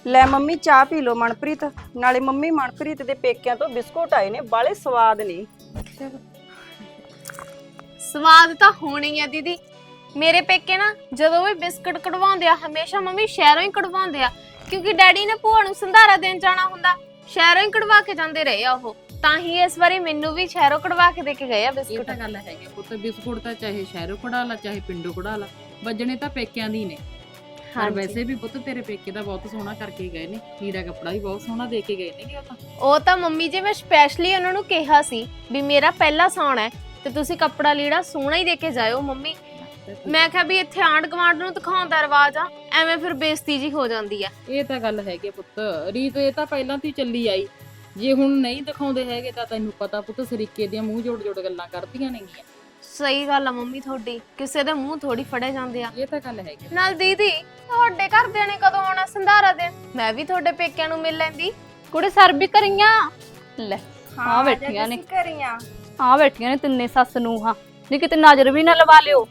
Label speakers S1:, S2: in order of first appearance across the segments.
S1: ਲੈ ਮੰਮੀ ਚਾਹ ਪੀ ਲਓ ਮਨਪ੍ਰੀਤ। ਨਾਲੇ ਮੰਮੀ ਮਨਪ੍ਰੀਤ ਦੇ ਪੇਕਿਆਂ ਤੋਂ ਬਿਸਕੁਟ ਆਏ ਨੇ, ਬਾਲੇ ਸਵਾਦ ਨੇ।
S2: ਸਵਾਦ ਤਾਂ ਹੋਣੀ ਆ ਦੀਦੀ। ਮੇਰੇ ਪੇਕੇ ਨਾ ਜਦੋਂ ਵੀ ਬਿਸਕਟ ਕਢਵਾਉਂਦੇ ਆ ਹਮੇਸ਼ਾ ਮੰਮੀ ਸ਼ਹਿਰੋਂ ਹੀ ਕਢਵਾਉਂਦੇ ਆ, ਕਿਉਂਕਿ ਡੈਡੀ ਨੇ ਭੂਆ ਨੂੰ ਸੰਧਾਰਾ ਦੇਣ ਜਾਣਾ ਹੁੰਦਾ, ਸ਼ਹਿਰੋਂ ਹੀ ਕਢਵਾ ਕੇ ਜਾਂਦੇ ਰਹੇ ਆ ਉਹ। ਤਾਂ ਹੀ ਇਸ ਵਾਰੀ ਮੈਨੂੰ ਵੀ ਸ਼ਹਿਰੋਂ ਕਢਵਾ ਕੇ ਦੇ ਕੇ ਗਏ ਆ
S3: ਇਹ
S2: ਬਿਸਕੁਟ।
S3: ਤਾਂ ਗੱਲ ਹੈਗੀ ਪੁੱਤ, ਬਿਸਕੁਟ ਤਾਂ ਚਾਹੇ ਸ਼ਹਿਰੋਂ ਕਢਾ ਲਾ ਚਾਹੇ ਪਿੰਡੋਂ ਕਢਾ ਲਾ, ਵੱਜਣੇ ਤਾਂ ਪੇਕਿਆਂ ਦੀ ਨੇ। ਪਰ ਵੈਸੇ ਵੀ ਪੁੱਤ ਤੇਰੇ ਪੇਕੇ ਤਾਂ ਬਹੁਤ ਸੋਹਣਾ ਕਰਕੇ ਗਏ ਨੇ, ਲੀੜਾ ਕੱਪੜਾ ਵੀ ਬਹੁਤ ਸੋਹਣਾ ਦੇ ਕੇ ਗਏ ਨੇ।
S2: ਉਹ ਤਾਂ ਮੰਮੀ ਜੀ ਮੈਂ ਸਪੈਸ਼ਲੀ ਉਹਨਾਂ ਨੂੰ ਕਿਹਾ ਸੀ ਵੀ ਮੇਰਾ ਪਹਿਲਾ ਸਾਉਣ ਹੈ ਤੇ ਤੁਸੀਂ ਕੱਪੜਾ ਲੀੜਾ ਸੋਹਣਾ ਹੀ ਦੇ ਕੇ ਜਾਇਓ ਮੰਮੀ। ਮੈਂ ਕਿਹਾ ਵੀ ਇੱਥੇ ਆਂਢ ਗੁਆਂਢ ਨੂੰ ਦਿਖਾਉਣ ਦਾ ਰਿਵਾਜ ਆ, ਐਵੇਂ ਫਿਰ ਬੇਇੱਜ਼ਤੀ ਜੀ ਹੋ ਜਾਂਦੀ ਆ।
S3: ਇਹ ਤਾਂ ਗੱਲ ਹੈਗੀ ਪੁੱਤ, ਰੀਤ ਇਹ ਤਾਂ ਪਹਿਲਾਂ ਤੋਂ ਹੀ ਚੱਲੀ ਆਈ। ਜੇ ਹੁਣ ਨਹੀਂ ਦਿਖਾਉਂਦੇ ਹੈਗੇ ਤਾਂ ਤੈਨੂੰ ਪਤਾ ਪੁੱਤ ਸਰੀਕੇ ਦੀਆਂ ਮੂੰਹ ਜੋੜ ਜੋੜ ਗੱਲਾਂ ਕਰਦੀਆਂ ਨੇਗੀਆਂ।
S2: ਸਹੀ ਗੱਲ ਆ ਮੰਮੀ ਤੁਹਾਡੀ, ਕਿਸੇ ਦੇ ਮੂੰਹ ਥੋੜੀ ਫੜੇ ਜਾਂਦੇ ਆ।
S3: ਇਹ ਤਾਂ ਗੱਲ ਹੈਗੀ।
S2: ਨਾਲ ਦੀਦੀ ਤੁਹਾਡੇ ਘਰਦਿਆਂ ਨੇ ਕਦੋਂ ਆਉਣਾ ਸੰਧਾਰਾ ਦੇਣ? ਮੈਂ ਵੀ ਤੁਹਾਡੇ ਪੇਕਿਆਂ ਨੂੰ ਮਿਲ ਲੈਂਦੀ।
S4: ਕੁੜੇ ਸਰ ਵੀ ਕਰੀਆਂ ਲੈ ਆ ਬੈਠੀਆਂ ਨੇ,
S1: ਕਰੀਆਂ
S4: ਆ ਬੈਠੀਆਂ ਨੇ ਤਿੰਨੇ ਸੱਸ ਨੂੰ। ਹਾਂ ਨਹੀਂ ਕਿਤੇ ਨਜ਼ਰ ਵੀ ਨਾ ਲਵਾ ਲਿਓ।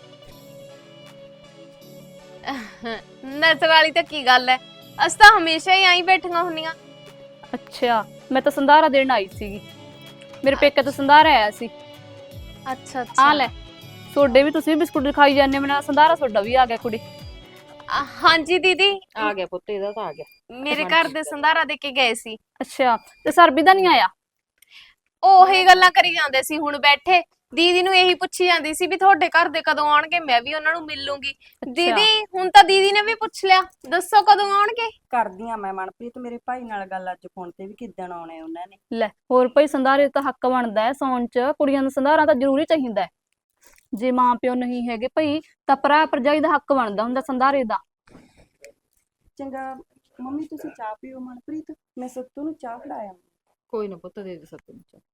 S2: ਨਜ਼ਰ ਵਾਲੀ ਤਾਂ ਕੀ ਗੱਲ ਹੈ, ਅਸੀਂ ਤਾਂ ਹਮੇਸ਼ਾ ਹੀ ਆਈ ਬੈਠੀਆਂ ਹੁੰਨੀਆਂ।
S4: ਅੱਛਾ ਮੈਂ ਤਾਂ ਸੰਧਾਰਾ ਦੇਣ ਆਈ ਸੀਗੀ, ਮੇਰੇ ਪੇਕੇ ਤੋਂ ਸੰਧਾਰਾ ਆਇਆ ਸੀ।
S2: ਅੱਛਾ
S4: ਆ
S2: ਅੱਛਾ
S4: ਲੈ ਸੋਡੇ ਵੀ, ਤੁਸੀਂ ਵੀ ਬਿਸਕੁਟ ਖਾਈ ਜਾਂਦੇ, ਮੇਰਾ ਸੰਧਾਰਾ ਸੋਡਾ ਵੀ ਆ ਗਿਆ ਕੁੜੀ।
S2: ਹਾਂਜੀ ਦੀਦੀ
S3: ਆ ਗਿਆ ਪੁੱਤ, ਇਹਦਾ ਤਾਂ ਆ ਗਿਆ।
S2: ਮੇਰੇ ਘਰ ਦੇ ਸੰਧਾਰਾ ਦੇ ਕੇ ਗਏ ਸੀ।
S4: ਅੱਛਾ ਤੇ ਸਰਬੀ ਦਾ ਨਹੀਂ ਆਇਆ?
S2: ਉਹੀ ਗੱਲਾਂ ਕਰੀ ਜਾਂਦੇ ਸੀ ਹੁਣ ਬੈਠੇ। ਦੀਦੀ ਨੂੰ ਇਹੀ ਪੁੱਛੀ ਜਾਂਦੀ ਸੀ ਵੀ ਤੁਹਾਡੇ ਘਰ ਦੇ ਕਦੋਂ ਆਉਣਗੇ, ਮੈਂ ਵੀ ਉਹਨਾਂ ਨੂੰ ਮਿਲ ਲੂੰਗੀ। ਦੀਦੀ ਹੁਣ ਤਾਂ ਦੀਦੀ ਨੇ ਵੀ ਪੁੱਛ ਲਿਆ, ਦੱਸੋ ਕਦੋਂ ਆਉਣਗੇ।
S1: ਕਰਦੀਆਂ ਮੈਂ ਮਨਪ੍ਰੀਤ ਮੇਰੇ ਭਾਈ ਨਾਲ ਗੱਲ ਅੱਜ ਫੋਨ ਤੇ ਵੀ ਕਿੱਦਣ ਆਉਣੇ ਉਹਨਾਂ ਨੇ।
S4: ਲੈ ਹੋਰ ਭਾਈ ਸੰਧਾਰੇ ਤਾਂ ਹੱਕ ਬਣਦਾ ਹੈ ਸੌਣ ਚ, ਕੁੜੀਆਂ ਨੂੰ ਸੰਧਾਰਾ ਤਾਂ ਜ਼ਰੂਰੀ ਚਾਹੀਦਾ ਹੈ। ਜੇ ਮਾਂ ਪਿਓ ਨਹੀਂ ਹੈਗੇ ਭਾਈ ਤਾਂ ਭਰਾ ਭਰਜਾਈ ਦਾ ਹੱਕ ਬਣਦਾ ਹੁੰਦਾ ਸੰਧਾਰੇ ਦਾ।
S1: ਚੰਗਾ ਮੰਮੀ ਤੁਸੀਂ ਚਾਹ ਪੀਓ ਮਨਪ੍ਰੀਤ, ਮੈਂ ਸੱਤੂ ਨੂੰ ਚਾਹ ਫੜਾਇਆ।
S3: ਕੋਈ ਨਾ ਪੁੱਤ, ਦੇ ਦੇ ਸੱਤ ਨੂੰ ਚਾਹ।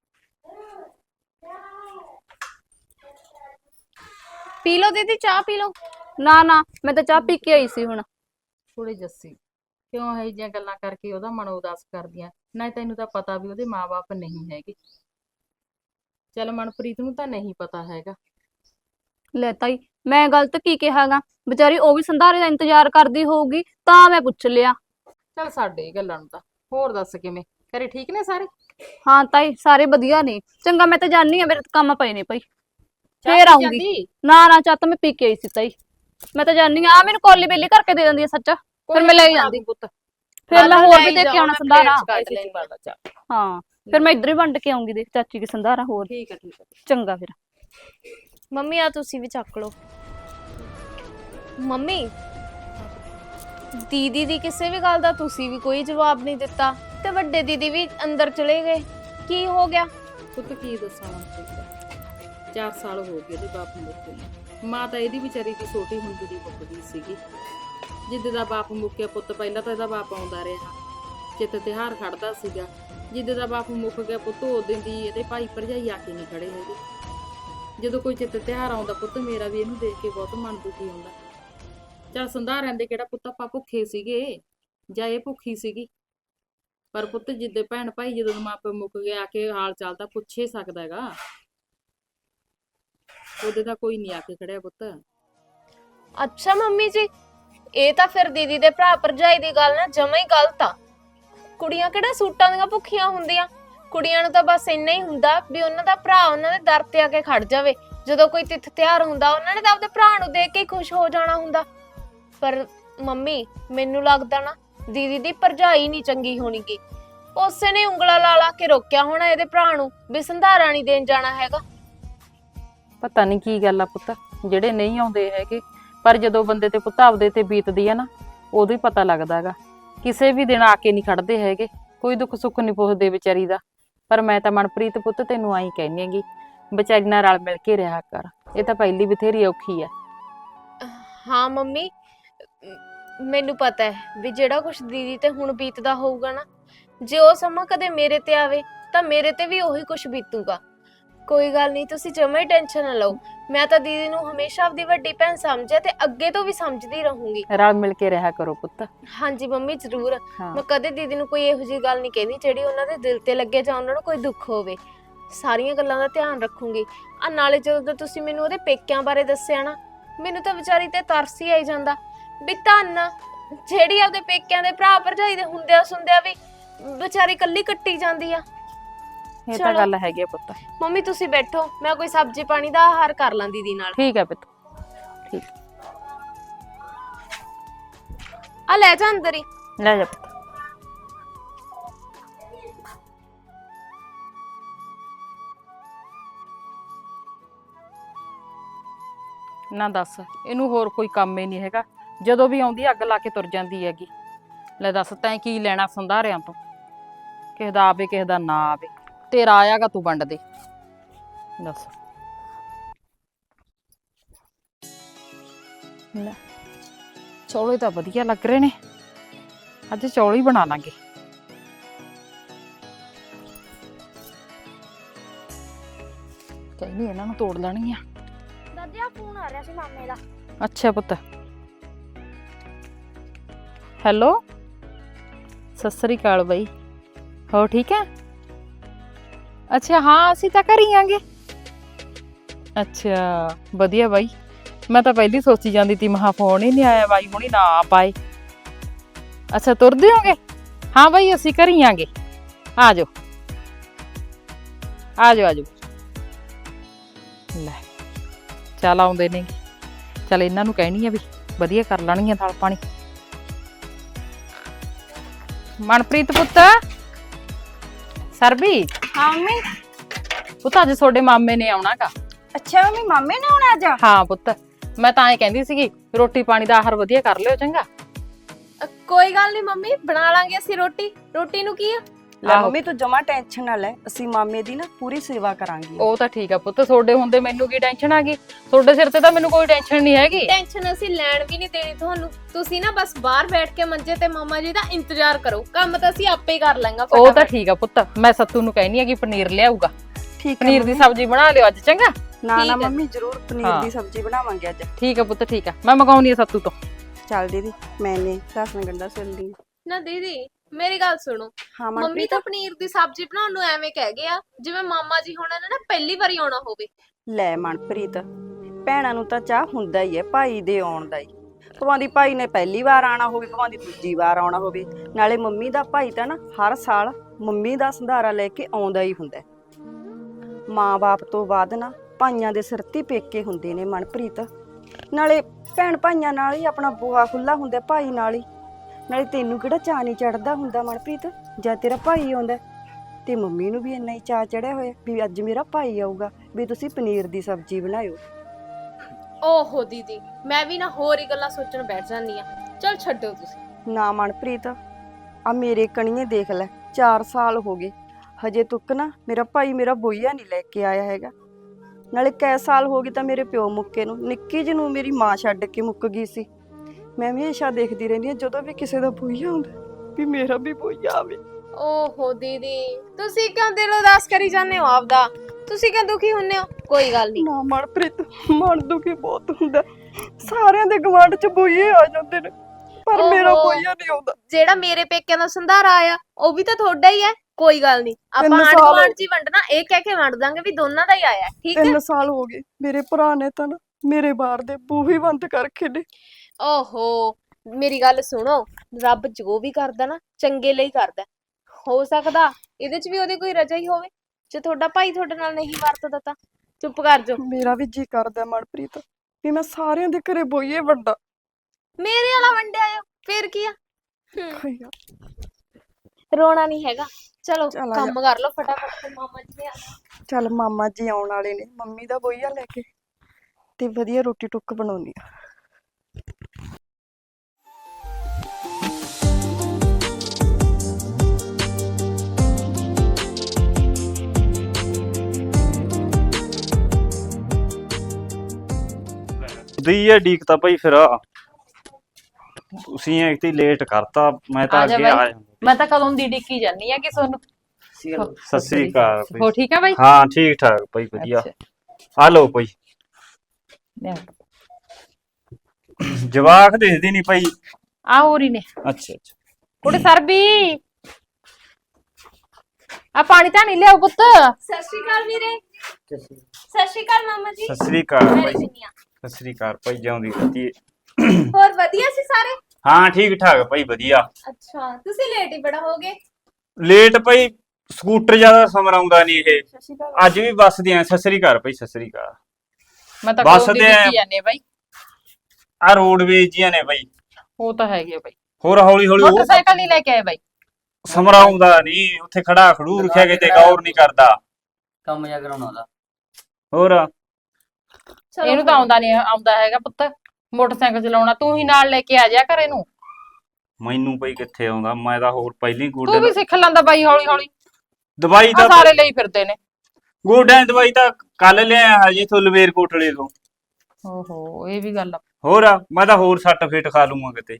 S2: ਪੀ ਲਓ ਦੀਦੀ, ਚਾਹ ਪੀ ਲਓ।
S4: ਨਾ ਨਾ ਮੈਂ ਤਾਂ ਚਾਹ ਪੀ ਕੇ ਆਈ ਸੀ ਹੁਣ।
S3: ਥੋੜੇ ਜੱਸੀ ਕਿਉਂ ਇਹ ਜਿਹੀਆਂ ਗੱਲਾਂ ਕਰਕੇ ਉਹਦਾ ਮਨ ਉਦਾਸ ਕਰਦੀਆਂ? ਨਾ ਤੈਨੂੰ ਤਾਂ ਪਤਾ ਵੀ ਉਹਦੇ ਮਾਪੇ ਨਹੀਂ ਹੈਗੇ। ਚੱਲ ਮਨਪ੍ਰੀਤ ਨੂੰ ਤਾਂ ਨਹੀਂ ਪਤਾ ਹੈਗਾ।
S4: ਲੈ ਤਾਈ ਮੈਂ ਗਲਤ ਕੀ ਕਿਹਾਗਾ, ਵਿਚਾਰੀ ਉਹ ਵੀ ਸੰਧਾਰੇ ਦਾ ਇੰਤਜ਼ਾਰ ਕਰਦੀ ਹੋਊਗੀ ਤਾਂ ਮੈਂ ਪੁੱਛ ਲਿਆ।
S3: ਚੱਲ ਸਾਡੇ ਗੱਲਾਂ ਨੂੰ ਤਾਂ ਹੋਰ ਦੱਸ ਕਿਵੇਂ ਘਰੇ ਠੀਕ ਨੇ ਸਾਰੇ?
S4: ਹਾਂ ਤਾਈ ਸਾਰੇ ਵਧੀਆ ਨੇ। ਚੰਗਾ ਮੈਂ ਤਾਂ ਜਾਣੀ ਆ, ਮੇਰੇ ਤਾਂ ਕੰਮ ਪਏ ਨੇ ਭਾਈ, ਫੇਰ ਆਉਂਗੀ। ਨਾ ਨਾ ਚਾਹ ਤਾਂ ਮੈਂ ਪੀ ਕੇ ਆਈ ਸੀ ਤਾਈ, ਮੈਂ ਤਾਂ ਜਾਣੀ ਆ। ਮੈਨੂੰ ਕੋਲੀ ਬੇਲੀ ਕਰਕੇ ਦੇ ਦਿੰਦੀ ਆ ਸੱਚ, ਫਿਰ ਮੈਂ ਲੈ ਜਾਂਦੀ
S3: ਪੁੱਤ।
S4: ਫਿਰ ਮੈਂ ਹੋਰ ਵੀ ਦੇ ਕੇ ਆਉਣਾ ਸੰਧਾਰਾ।
S3: ਹਾਂ
S4: ਹਾਂ ਫਿਰ ਮੈਂ ਇੱਧਰ ਹੀ ਵੰਡ ਕੇ ਆਉਂਗੀ, ਦੇਖ ਚਾਚੀ ਕੀ ਸੰਧਾਰਾ ਹੋਰ।
S3: ਠੀਕ ਹੈ ਠੀਕ ਹੈ।
S4: ਚੰਗਾ ਫਿਰ
S2: ਮੰਮੀ ਆ ਤੁਸੀਂ ਵੀ ਚੱਕ ਲਓ। ਮੰਮੀ ਦੀਦੀ ਦੀ ਕਿਸੇ ਵੀ ਗੱਲ ਦਾ ਤੁਸੀਂ ਵੀ ਕੋਈ ਜਵਾਬ ਨਹੀਂ ਦਿੱਤਾ ਤੇ ਵੱਡੇ ਦੀਦੀ ਵੀ ਅੰਦਰ ਚਲੇ ਗਏ, ਕੀ ਹੋ ਗਿਆ?
S3: ਪੁੱਤ ਕੀ ਦੱਸਾਂ ਮਨਪ੍ਰੀਤ, 4 ਸਾਲ ਹੋ ਗਏ ਉਹਦੇ ਬਾਪ ਨੂੰ ਮੁੱਕੇ ਨੂੰ। ਮਾਂ ਤਾਂ ਇਹਦੀ ਵਿਚਾਰੀ ਦੀ ਛੋਟੀ ਹੁੰਦੀ ਦੀ ਮੁੱਕਦੀ ਸੀਗੀ। ਜਿੱਦ ਦਾ ਬਾਪ ਮੁੱਕਿਆ ਪੁੱਤ, ਪਹਿਲਾਂ ਤਾਂ ਇਹਦਾ ਬਾਪ ਆਉਂਦਾ ਰਿਹਾ, ਚਿੱਤ ਤਿਉਹਾਰ ਖੜਦਾ ਸੀਗਾ। ਜਿੱਦ ਦਾ ਬਾਪ ਮੁੱਕ ਗਿਆ ਪੁੱਤ, ਉਦੋਂ ਦੀ ਇਹਦੇ ਭਾਈ ਭਰਜਾਈ ਆ ਕੇ ਨਹੀਂ ਖੜੇ ਹੈਗੇ। ਜਦੋਂ ਕੋਈ ਚਿੱਤ ਤਿਉਹਾਰ ਆਉਂਦਾ ਪੁੱਤ, ਮੇਰਾ ਵੀ ਇਹਨੂੰ ਦੇਖ ਕੇ ਬਹੁਤ ਮਨ ਦੁਖੀ ਹੁੰਦਾ। ਚੱਲ ਸੰਧਾਰਿਆਂ ਦੇ ਕਿਹੜਾ ਪੁੱਤ ਆਪਾਂ ਭੁੱਖੇ ਸੀਗੇ ਜਾਂ ਇਹ ਭੁੱਖੀ ਸੀਗੀ, ਪਰ ਪੁੱਤ ਜਿੱਦੇ ਭੈਣ ਭਾਈ ਜਦੋਂ ਮਾਪੇ ਮੁੱਕ ਗਏ ਆ ਕੇ ਹਾਲ ਚਾਲ ਤਾਂ ਪੁੱਛੇ ਸਕਦਾ ਹੈਗਾ। ਉਹਦੇ ਤਾਂ ਕੋਈ ਨਹੀਂ ਆ ਕੇ ਖੜਿਆ ਪੁੱਤ।
S2: ਅੱਛਾ ਮੰਮੀ ਜੀ, ਇਹ ਤਾਂ ਫਿਰ ਦੀਦੀ ਦੇ ਭਰਾ ਭਰਜਾਈ ਦੀ ਗੱਲ ਨਾ ਜਮਾ ਹੀ ਗਲਤ ਆ। ਕੁੜੀਆਂ ਕਿਹੜਾ ਸੂਟਾਂ ਦੀਆਂ ਭੁੱਖੀਆਂ ਹੁੰਦੀਆਂ? ਕੁੜੀਆਂ ਨੂੰ ਤਾਂ ਬਸ ਇੰਨਾ ਹੀ ਹੁੰਦਾ ਵੀ ਉਹਨਾਂ ਦਾ ਭਰਾ ਉਹਨਾਂ ਦੇ ਦਰ ਤੇ ਆ ਕੇ ਖੜ ਜਾਵੇ। ਜਦੋਂ ਕੋਈ ਤਿੱਥ ਤਿਉਹਾਰ ਹੁੰਦਾ ਉਹਨਾਂ ਨੇ ਤਾਂ ਆਪਣੇ ਭਰਾ ਨੂੰ ਦੇਖ ਕੇ ਹੀ ਖੁਸ਼ ਹੋ ਜਾਣਾ ਹੁੰਦਾ। ਪਰ ਮੰਮੀ ਮੈਨੂੰ ਲੱਗਦਾ ਨਾ ਦੀਦੀ ਦੀ ਭਰਜਾਈ ਨਹੀਂ ਚੰਗੀ ਹੋਣੀਗੀ, ਉਸੇ ਨੇ ਉਂਗਲਾ ਲਾ ਲਾ ਕੇ ਰੋਕਿਆ ਹੋਣਾ ਇਹਦੇ ਭਰਾ ਨੂੰ ਵੀ ਸੰਧਾਰਾ ਨਹੀਂ ਦੇਣ ਜਾਣਾ ਹੈਗਾ।
S3: ਪਤਾ ਨਹੀਂ ਕੀ ਗੱਲ ਆ ਪੁੱਤ, ਜਿਹੜੇ ਨਹੀਂ ਆਉਂਦੇ ਹੈਗੇ, ਪਰ ਜਦੋਂ ਬੰਦੇ ਤੇ ਪੁੱਤ ਆਪਦੇ ਤੇ ਬੀਤਦੀ ਆ ਨਾ ਉਦੋਂ ਹੀ ਪਤਾ ਲੱਗਦਾ ਹੈਗਾ। ਕਿਸੇ ਵੀ ਦਿਨ ਆ ਕੇ ਨਹੀਂ ਖੜਦੇ ਹੈਗੇ, ਕੋਈ ਦੁੱਖ ਸੁੱਖ ਨਹੀਂ ਪੁੱਛਦੇ ਵਿਚਾਰੀ ਦਾ। ਪਰ ਮੈਂ ਤਾਂ ਮਨਪ੍ਰੀਤ ਪੁੱਤ ਤੈਨੂੰ ਆਈ ਕਹਿੰਦੀ ਹੈਗੀ, ਵਿਚਾਰੀ ਨਾਲ ਰਲ ਮਿਲ ਕੇ ਰਿਹਾ ਕਰ। ਇਹ ਤਾਂ ਪਹਿਲੀ ਬਥੇਰੀ ਔਖੀ ਆ।
S2: ਹਾਂ ਮੰਮੀ ਮੈਨੂੰ ਪਤਾ ਹੈ ਵੀ ਜਿਹੜਾ ਕੁਝ ਦੀਦੀ ਤੇ ਹੁਣ ਬੀਤਦਾ ਹੋਊਗਾ ਨਾ, ਜੇ ਉਹ ਸਮਾਂ ਕਦੇ ਮੇਰੇ ਤੇ ਆਵੇ ਤਾਂ ਮੇਰੇ ਤੇ ਵੀ ਉਹੀ ਕੁਝ ਬੀਤੂਗਾ। ਕੋਈ ਗੱਲ ਨਹੀਂ, ਤੁਸੀਂ ਜਮਾ ਹੀ ਟੈਨਸ਼ਨ ਨਾ ਲਓ। ਮੈਂ ਤਾਂ ਦੀਦੀ ਨੂੰ ਹਮੇਸ਼ਾ ਆਪਦੀ ਵੱਡੀ ਭੈਣ ਸਮਝਿਆ ਤੇ ਅੱਗੇ ਤੋਂ ਵੀ ਸਮਝਦੀ ਰਹੂੰਗੀ।
S3: ਰਲ ਮਿਲ ਕੇ ਰਿਹਾ ਕਰੋ ਪੁੱਤ।
S2: ਹਾਂਜੀ ਮੰਮੀ ਜ਼ਰੂਰ। ਮੈਂ ਕਦੇ ਦੀਦੀ ਨੂੰ ਕੋਈ ਇਹੋ ਜਿਹੀ ਗੱਲ ਨਹੀਂ ਕਹਿੰਦੀ ਜਿਹੜੀ ਉਹਨਾਂ ਦੇ ਦਿਲ ਤੇ ਲੱਗੇ ਜਾਂ ਉਹਨਾਂ ਨੂੰ ਕੋਈ ਦੁੱਖ ਹੋਵੇ। ਸਾਰੀਆਂ ਗੱਲਾਂ ਦਾ ਧਿਆਨ ਰੱਖੂੰਗੀ। ਆ ਨਾਲੇ ਜਦੋਂ ਤੁਸੀਂ ਮੈਨੂੰ ਉਹਦੇ ਪੇਕਿਆਂ ਬਾਰੇ ਦੱਸਿਆ ਨਾ, ਮੈਨੂੰ ਤਾਂ ਵਿਚਾਰੀ ਤੇ ਤਰਸ ਹੀ ਆਈ ਜਾਂਦਾ ਵੀ ਧੰਨ ਜਿਹੜੀ ਆਪਦੇ ਪੇਕਿਆਂ ਦੇ ਭਰਾ ਭਰਜਾਈ ਦੇ ਹੁੰਦਿਆਂ ਸੁਣਦਿਆਂ ਵੀ ਵਿਚਾਰੀ ਕੱਲੀ ਕੱਟੀ ਜਾਂਦੀ ਆ।
S4: ਇਹ ਤਾਂ ਗੱਲ ਹੈਗੀ ਆ ਪੁੱਤ।
S2: ਮੰਮੀ ਤੁਸੀਂ ਬੈਠੋ, ਮੈਂ ਕੋਈ ਸਬਜ਼ੀ ਪਾਣੀ ਦਾ ਆਹਾਰ ਕਰ ਲਾਂ ਦੀਦੀ ਨਾਲ।
S4: ਠੀਕ ਹੈ ਪੁੱਤ, ਠੀਕ।
S2: ਆ ਲੈ ਜਾ ਅੰਦਰ ਹੀ।
S4: ਲੈ ਜਾ ਪੁੱਤ। ਨਾ ਦੱਸ, ਇਹਨੂੰ ਹੋਰ ਕੋਈ ਕੰਮ ਹੀ ਨਹੀਂ ਹੈਗਾ। ਜਦੋਂ ਵੀ ਆਉਂਦੀ ਅੱਗ ਲਾ ਕੇ ਤੁਰ ਜਾਂਦੀ ਹੈਗੀ। ਲੈ ਦੱਸ, ਤੈਂ ਕੀ ਲੈਣਾ ਸੰਧਾਰਿਆਂ ਤੋਂ? ਕਿਸੇ ਦਾ ਆਵੇ ਕਿਸੇ ਦਾ ਨਾ ਆਵੇ, ਤੇਰਾ ਆਇਆਗਾ ਤੂੰ ਵੰਡ ਦੇ। ਦੱਸ ਲੈ, ਚੌਲੇ ਤਾਂ ਵਧੀਆ ਲੱਗ ਰਹੇ ਨੇ, ਅੱਜ ਚੌਲ ਹੀ ਬਣਾ ਲਾਂਗੇ। ਕਹਿੰਦੀ ਇਹਨਾਂ ਨੂੰ ਤੋੜ ਲੈਣੀ ਆ।
S5: ਦਾਦੀ ਆ ਫੋਨ ਆ ਰਿਹਾ ਸੀ ਮਾਮੇ ਦਾ।
S4: ਅੱਛਾ ਪੁੱਤ। ਹੈਲੋ, ਸਤਿ ਸ੍ਰੀ ਅਕਾਲ ਬਈ। ਹੋ ਠੀਕ ਹੈ? ਅੱਛਾ ਹਾਂ, ਅਸੀਂ ਤਾਂ ਘਰ ਹੀ ਆਂਗੇ। ਅੱਛਾ ਵਧੀਆ ਬਾਈ, ਮੈਂ ਤਾਂ ਪਹਿਲੀ ਸੋਚੀ ਜਾਂਦੀ ਤੀ ਮਹਾ ਫੋਨ ਹੀ ਨਹੀਂ ਆਇਆ, ਬਾਈ ਹੁਣੀ ਨਾ ਆ ਪਾਏ। ਅੱਛਾ ਤੁਰਦੇ ਹੋਗੇ? ਹਾਂ ਬਾਈ ਅਸੀਂ ਘਰ ਹੀ ਆਂਗੇ, ਆ ਜਾਓ ਆ ਜਾਓ ਆ ਜਾਓ। ਲੈ ਚੱਲ ਆਉਂਦੇ ਨੇ, ਚੱਲ ਇਹਨਾਂ ਨੂੰ ਕਹਿਣੀ ਆ ਵੀ ਵਧੀਆ ਕਰ ਲੈਣਗੀਆਂ ਥਲ ਪਾਣੀ। ਮਨਪ੍ਰੀਤ ਪੁੱਤ, ਸਰਬੀ।
S1: ਹਾਂ ਮੰਮੀ।
S4: ਪੁੱਤ ਅੱਜ ਤੁਹਾਡੇ ਮਾਮੇ ਨੇ ਆਉਣਾਗਾ।
S1: ਅੱਛਾ ਮੰਮੀ, ਮਾਮੇ ਨੇ ਆਉਣਾ ਅੱਜ?
S4: ਹਾਂ ਪੁੱਤ, ਮੈਂ ਤਾਂ ਐਂ ਕਹਿੰਦੀ ਸੀਗੀ ਰੋਟੀ ਪਾਣੀ ਦਾ ਆਹਾਰ ਵਧੀਆ ਕਰ ਲਿਓ ਚੰਗਾ।
S2: ਕੋਈ ਗੱਲ ਨਹੀਂ ਮੰਮੀ, ਬਣਾ ਲਾਂਗੇ ਅਸੀਂ ਰੋਟੀ। ਰੋਟੀ ਨੂੰ ਕੀ ਆ?
S1: ਲੈ ਮੰਮੀ ਤੂੰ ਜਮਾ ਟੈਨਸ਼ਨ ਨਾ ਲੈ, ਅਸੀਂ ਮਾਮੇ ਦੀ ਨਾ ਪੂਰੀ ਸੇਵਾ ਕਰਾਂਗੇ।
S4: ਉਹ ਤਾਂ ਠੀਕ ਆ ਪੁੱਤ, ਤੁਹਾਡੇ ਹੁੰਦੇ ਮੈਨੂੰ ਕੀ ਟੈਨਸ਼ਨ ਆ ਗਈ? ਤੁਹਾਡੇ ਸਿਰ ਤੇ ਤਾਂ ਮੈਨੂੰ ਕੋਈ ਟੈਨਸ਼ਨ ਨਹੀਂ ਹੈਗੀ।
S2: ਟੈਨਸ਼ਨ ਅਸੀਂ ਲੈਣ ਵੀ ਨਹੀਂ ਦੇਣੀ ਤੁਹਾਨੂੰ। ਤੁਸੀਂ ਨਾ ਬਸ ਬਾਹਰ ਬੈਠ ਕੇ ਮੰਜੇ ਤੇ ਮਾਮਾ ਜੀ ਦਾ ਇੰਤਜ਼ਾਰ ਕਰੋ, ਕੰਮ ਤਾਂ ਅਸੀਂ ਆਪੇ ਹੀ ਕਰ ਲਾਂਗਾ।
S4: ਉਹ ਤਾਂ ਠੀਕ ਆ ਪੁੱਤ, ਮੈਂ ਸੱਤੂ ਨੂੰ ਕਹਿਣੀ ਆ ਕਿ ਪਨੀਰ ਲਿਆਊਗਾ।
S1: ਠੀਕ ਹੈ
S4: ਪਨੀਰ ਦੀ ਸਬਜ਼ੀ ਬਣਾ ਲਿਓ ਅੱਜ ਚੰਗਾ।
S1: ਨਾ ਨਾ ਮੰਮੀ, ਜ਼ਰੂਰ ਪਨੀਰ ਦੀ ਸਬਜ਼ੀ ਬਣਾਵਾਂਗੇ ਅੱਜ।
S4: ਠੀਕ ਆ ਪੁੱਤ, ਠੀਕ ਆ, ਮੈਂ ਮੰਗਾਉਣੀ ਆ ਸੱਤੂ ਤੋਂ।
S1: ਚੱਲ ਦੀਦੀ, ਮੈਨੇ ਰਸਨ ਗੰਡਾ ਸਿਲਦੀ।
S2: ਨਾ ਦੀਦੀ ਮੇਰੀ ਗੱਲ ਸੁਣੋ,
S1: ਹਾਂ
S2: ਮੰਮੀ
S1: ਮਨਪ੍ਰੀਤ।
S2: ਤਾਂ ਪਨੀਰ ਦੀ ਸਬਜ਼ੀ ਬਣਾਉਣ ਨੂੰ ਐਵੇਂ ਕਹਿ ਗਏ ਆ ਜਿਵੇਂ ਮਾਮਾ ਜੀ ਹੋਣਾ ਨੇ ਨਾ ਪਹਿਲੀ ਵਾਰੀ ਆਉਣਾ ਹੋਵੇ।
S1: ਲੈ ਮਨਪ੍ਰੀਤ, ਭੈਣਾਂ ਨੂੰ ਤਾਂ ਚਾਹ ਹੁੰਦਾ ਹੀ ਹੈ ਭਾਈ ਦੇ ਆਉਣ ਦਾ ਹੀ। ਭਾਵੇਂ ਦੀ ਭਾਈ ਨੇ ਪਹਿਲੀ ਵਾਰ ਆਣਾ ਹੋਵੇ, ਭਾਵੇਂ ਦੀ ਦੂਜੀ ਵਾਰ ਆਉਣਾ ਹੋਵੇ। ਨਾਲੇ ਮੰਮੀ ਦਾ ਭਾਈ ਤਾਂ ਨਾ ਹਰ ਸਾਲ ਮੰਮੀ ਦਾ ਸੰਧਾਰਾ ਲੈ ਕੇ ਆਉਂਦਾ ਹੀ ਹੁੰਦਾ। ਮਾਂ-ਬਾਪ ਤੋਂ ਬਾਅਦ ਨਾ ਭਾਈਆਂ ਦੇ ਸਿਰ ਤੇ ਪੇਕੇ ਹੁੰਦੇ ਨੇ ਮਨਪ੍ਰੀਤ। ਨਾਲੇ ਭੈਣ ਭਾਈਆਂ ਨਾਲ ਹੀ ਆਪਣਾ ਬੂਹਾ ਖੁੱਲਾ ਹੁੰਦਾ, ਭਾਈ ਨਾਲ ਹੀ। ਨਾਲੇ ਤੈਨੂੰ ਕਿਹੜਾ ਚਾਅ ਨਹੀਂ ਚੜਦਾ ਹੁੰਦਾ ਮਨਪ੍ਰੀਤ ਜਦ ਤੇਰਾ ਭਾਈ ਆਉਂਦਾ? ਤੇ ਮੰਮੀ ਨੂੰ ਵੀ ਇੰਨਾ ਹੀ ਚਾਅ ਚੜਿਆ ਹੋਇਆ ਵੀ ਅੱਜ ਮੇਰਾ ਭਾਈ ਆਊਗਾ, ਵੀ ਤੁਸੀਂ ਪਨੀਰ ਦੀ ਸਬਜ਼ੀ ਬਣਾਇਓ।
S2: ਓਹੋ ਦੀਦੀ, ਮੈਂ ਵੀ ਨਾ ਹੋਰ ਹੀ ਗੱਲਾਂ ਸੋਚਣ ਬੈਠ ਜਾਂਦੀ ਆ। ਚਲ ਛੱਡੋ ਤੁਸੀਂ।
S1: ਨਾ ਮਨਪ੍ਰੀਤ, ਆ ਮੇਰੇ ਕਣੀਏ ਦੇਖ ਲੈ, 4 ਸਾਲ ਹੋ ਗਏ ਹਜੇ ਤੱਕ ਨਾ ਮੇਰਾ ਭਾਈ ਮੇਰਾ ਬੋਈਆ ਨਹੀਂ ਲੈ ਕੇ ਆਇਆ ਹੈਗਾ। ਨਾਲੇ ਕਈ ਸਾਲ ਹੋ ਗਏ ਤਾਂ ਮੇਰੇ ਪਿਓ ਮੁੱਕੇ ਨੂੰ, ਨਿੱਕੀ ਜਿਹੀ ਨੂੰ ਮੇਰੀ ਮਾਂ ਛੱਡ ਕੇ ਮੁੱਕ ਗਈ ਸੀ। ਮੈਂ ਹਮੇਸ਼ਾ ਦੇਖਦੀ ਰਹਿੰਦੀ ਹਾਂ ਜਦੋਂ ਵੀ ਕਿਸੇ ਦਾ ਬੋਈਆ ਹੁੰਦਾ ਵੀ ਮੇਰਾ ਵੀ ਬੋਈਆ ਆਵੇ।
S2: ਓਹੋ ਦੀਦੀ, ਤੁਸੀਂ ਕਿਉਂ ਦਿਲ ਉਦਾਸ ਕਰੀ ਜਾਂਦੇ ਹੋ ਆਪਦਾ? ਤੁਸੀਂ ਕਿਉਂ ਦੁਖੀ ਹੁੰਨੇ ਹੋ? ਕੋਈ ਗੱਲ ਨਹੀਂ।
S1: ਨਾ ਮਨਪ੍ਰੀਤ, ਮਨ ਦੁਖੀ ਬਹੁਤ ਹੁੰਦਾ। ਸਾਰਿਆਂ ਦੇ ਗਵਾਂਢ ਚ ਬੋਈਏ ਆ ਜਾਂਦੇ ਨੇ, ਪਰ ਮੇਰਾ
S2: ਓਹੋ।
S1: ਬੋਈਆ ਨਹੀਂ ਆਉਂਦਾ।
S2: ਜਿਹੜਾ ਮੇਰੇ ਪੇਕਿਆਂ ਦਾ ਸੰਧਾਰਾ ਆਇਆ ਉਹ ਵੀ ਤਾਂ ਤੁਹਾਡਾ ਹੀ ਹੈ। ਕੋਈ ਗੱਲ ਨਹੀਂ, ਆਪਾਂ
S1: 3
S2: ਆਂਢ
S1: ਸਾਲ
S2: ਗੁਆਂਢ ਚ ਹੀ ਵੰਡਣਾ, ਇਹ ਕਹਿ ਕੇ ਵੰਡ ਦਾਂਗੇ ਵੀ ਦੋਨਾਂ ਦਾ ਹੀ ਆਇਆ। ਠੀਕ ਹੈ?
S1: 3 ਸਾਲ ਹੋ ਗਏ ਮੇਰੇ ਭਰਾ ਨੇ ਤਾਂ ਨਾ ਮੇਰੇ ਬਾਰ ਦੇ ਬੂਹੇ ਬੰਦ ਕਰ ਰੱਖੇ ਨੇ।
S2: ਓਹੋ, ਮੇਰੀ ਗੱਲ ਸੁਣੋ, ਰੱਬ ਜੋ ਵੀ ਕਰਦਾ ਨਾ ਚੰਗੇ ਲਈ ਕਰਦਾ। ਹੋ ਸਕਦਾ ਇਹਦੇ ਚ ਵੀ ਉਹਦੀ ਕੋਈ ਰਜਾ ਹੀ ਹੋਵੇ। ਜੇ ਤੁਹਾਡਾ ਭਾਈ ਤੁਹਾਡੇ ਨਾਲ ਨਹੀਂ ਵਰਤਦਾ ਤਾਂ ਚੁੱਪ ਕਰ ਜਾਓ।
S1: ਮੇਰਾ ਵੀ ਜੀ ਕਰਦਾ ਮਨਪ੍ਰੀਤ ਵੀ ਮੈਂ ਸਾਰਿਆਂ ਦੇ ਘਰੇ ਬੋਈਏ ਵੱਡਾ।
S2: ਮੇਰੇ ਵਾਲਾ ਵੰਡਿਆ ਆ, ਫੇਰ ਕੀ ਆ? ਰੋਣਾ ਨਹੀਂ ਹੈਗਾ। ਚਲੋ
S1: ਚੱਲ ਆ
S2: ਕੰਮ ਕਰ ਲਓ ਫਟਾਫਟ, ਤੇ ਮਾਮਾ ਜੀ ਨੇ ਆਉਣਾ।
S1: ਚੱਲ ਮਾਮਾ ਜੀ ਆਉਣ ਵਾਲੇ ਨੇ, ਮੰਮੀ ਦਾ ਬੋਈਆ ਲੈ ਕੇ ਤੇ ਵਧੀਆ ਰੋਟੀ ਟੁੱਕ ਬਣਾਉਣੀ ਆ।
S6: ਦੀ ਹੈ ਡੀਕ ਤਾਂ ਭਾਈ ਫਿਰ ਤੁਸੀਂ ਇੱਕ ਤੇ ਲੇਟ ਕਰਤਾ, ਮੈਂ ਤਾਂ
S4: ਆ ਜਾ
S6: ਅੱਗੇ
S4: ਬਾਈ।
S6: ਆ ਜਾਂਦਾ।
S4: ਮੈਂ ਤਾਂ ਕਦੋਂ ਦੀ ਡਿੱਕੀ ਜਾਨੀ ਆ ਕਿ ਤੁਹਾਨੂੰ।
S6: ਸਤਿ ਸ੍ਰੀ ਅਕਾਲ
S4: ਹੋ
S6: ਭਾਈ।
S4: ਠੀਕ ਆ ਬਾਈ?
S6: ਹਾਂ ਠੀਕ ਠਾਕ ਭਾਈ, ਵਧੀਆ।
S4: ਅੱਛਾ।
S6: ਆ ਲਓ ਭਾਈ।
S4: ਲਿਆ।
S6: ਜਵਾਕ ਦੇਖਦੀ ਨਹੀਂ ਭਾਈ।
S4: ਆ ਹੋ ਰਹੀ ਨੇ
S6: ਅੱਛਾ ਅੱਛਾ।
S4: ਕੁੜੇ ਸਰਬੀ, ਆ ਪਾਣੀ ਤਾਂ ਨਹੀਂ ਲਿਆਓ ਪੁੱਤ।
S2: ਸਤਿ ਸ਼੍ਰੀ ਅਕਾਲ ਵੀਰੇ। ਸਤਿ ਸ਼੍ਰੀ ਅਕਾਲ ਮਾਮਾ ਜੀ।
S6: ਸਤਿ ਸ੍ਰੀ ਅਕਾਲ
S2: ਮੈਂ
S6: ਭਾਈ।
S2: ਲਿਖਨੀ ਆ।
S6: ਸਤਿ ਸ੍ਰੀ ਅਕਾਲ ਭਾਈ, ਜਿਉਂਦੀ ਰਹੀ।
S2: ਹੋਰ ਵਧੀਆ ਸੀ ਸਾਰੇ?
S6: ਹਾਂ ਠੀਕ ਠਾਕ ਭਾਈ ਵਧੀਆ।
S2: ਅੱਛਾ ਤੁਸੀਂ ਲੇਟ ਹੀ ਬੜਾ ਹੋ ਗਏ।
S6: ਲੇਟ ਭਾਈ ਸਕੂਟਰ ਜ਼ਿਆਦਾ ਸਮਰ ਆਉਂਦਾ ਨਹੀਂ ਇਹ। ਅੱਜ ਵੀ ਬੱਸ ਦੀਆਂ ਸਤਿ ਸ੍ਰੀ ਅਕਾਲ ਭਾਈ ਸਤਿ ਸ੍ਰੀ ਅਕਾਲ।
S3: ਮੈਂ ਤਾਂ
S6: ਬੱਸ
S3: ਕੋਲ ਦੀ
S6: ਤੇ
S3: ਦੇਖੀ ਜਾਂਦੇ ਬਾਈ।
S6: ਆ ਰੋਡਵੇਜ ਜੀਆਂ ਨੇ ਭਾਈ।
S3: ਉਹ ਤਾਂ ਹੈਗੇ ਬਾਈ।
S6: ਹੋਰ ਹੌਲੀ ਹੌਲੀ
S3: ਮੋਟਰਸਾਈਕਲ ਨਹੀਂ ਲੈ ਕੇ ਆਏ ਬਾਈ।
S6: ਸਮਰ ਆਉਂਦਾ ਨਹੀਂ ਉੱਥੇ ਖੜਾ ਖੜੂ ਰੱਖਿਆ ਕਿਤੇ ਗੌਰ ਨਹੀਂ ਕਰਦਾ
S7: ਕੰਮ ਜਾ ਕਰਾਉਣਾ ਉਹਦਾ।
S6: ਹੋਰ
S3: ਇਹਨੂੰ ਤਾਂ ਆਉਂਦਾ ਹੈਗਾ ਪੁੱਤ ਮੋਟਰਸਾਈਕਲ ਚਲਾਉਣਾ। ਤੂੰ ਹੀ ਨਾਲ ਲੈ ਕੇ ਆ ਜਾ ਕਰ ਇਹਨੂੰ।
S6: ਮੈਨੂੰ ਭਾਈ ਕਿੱਥੇ ਆਉਂਦਾ ਮੈਂ ਤਾਂ ਹੋਰ ਪਹਿਲੀ
S3: ਤੂੰ
S6: ਗੋਡੇ
S3: ਵੀ ਸਿੱਖ ਲੈਂਦਾ ਬਾਈ ਹੌਲੀ ਹੌਲੀ।
S6: ਦਵਾਈ
S3: ਆ
S6: ਤਾਂ
S3: ਸਾਰੇ ਲਈ ਫਿਰਦੇ ਨੇ।
S6: ਗੋਡਿਆਂ ਦੀ ਦਵਾਈ ਤਾਂ ਕੱਲ ਲਿਆਇਆ ਹਜੇ ਤੋਂ ਲਵੇਰ ਕੋਟਲੇ ਤੋਂ।
S3: ਓਹੋ ਇਹ ਵੀ ਗੱਲ ਆ।
S6: ਹੋਰ ਮੈਂ ਤਾਂ ਹੋਰ ਸੱਟ ਫੇਟ ਖਾ ਲੂੰਗਾ ਕਿਤੇ।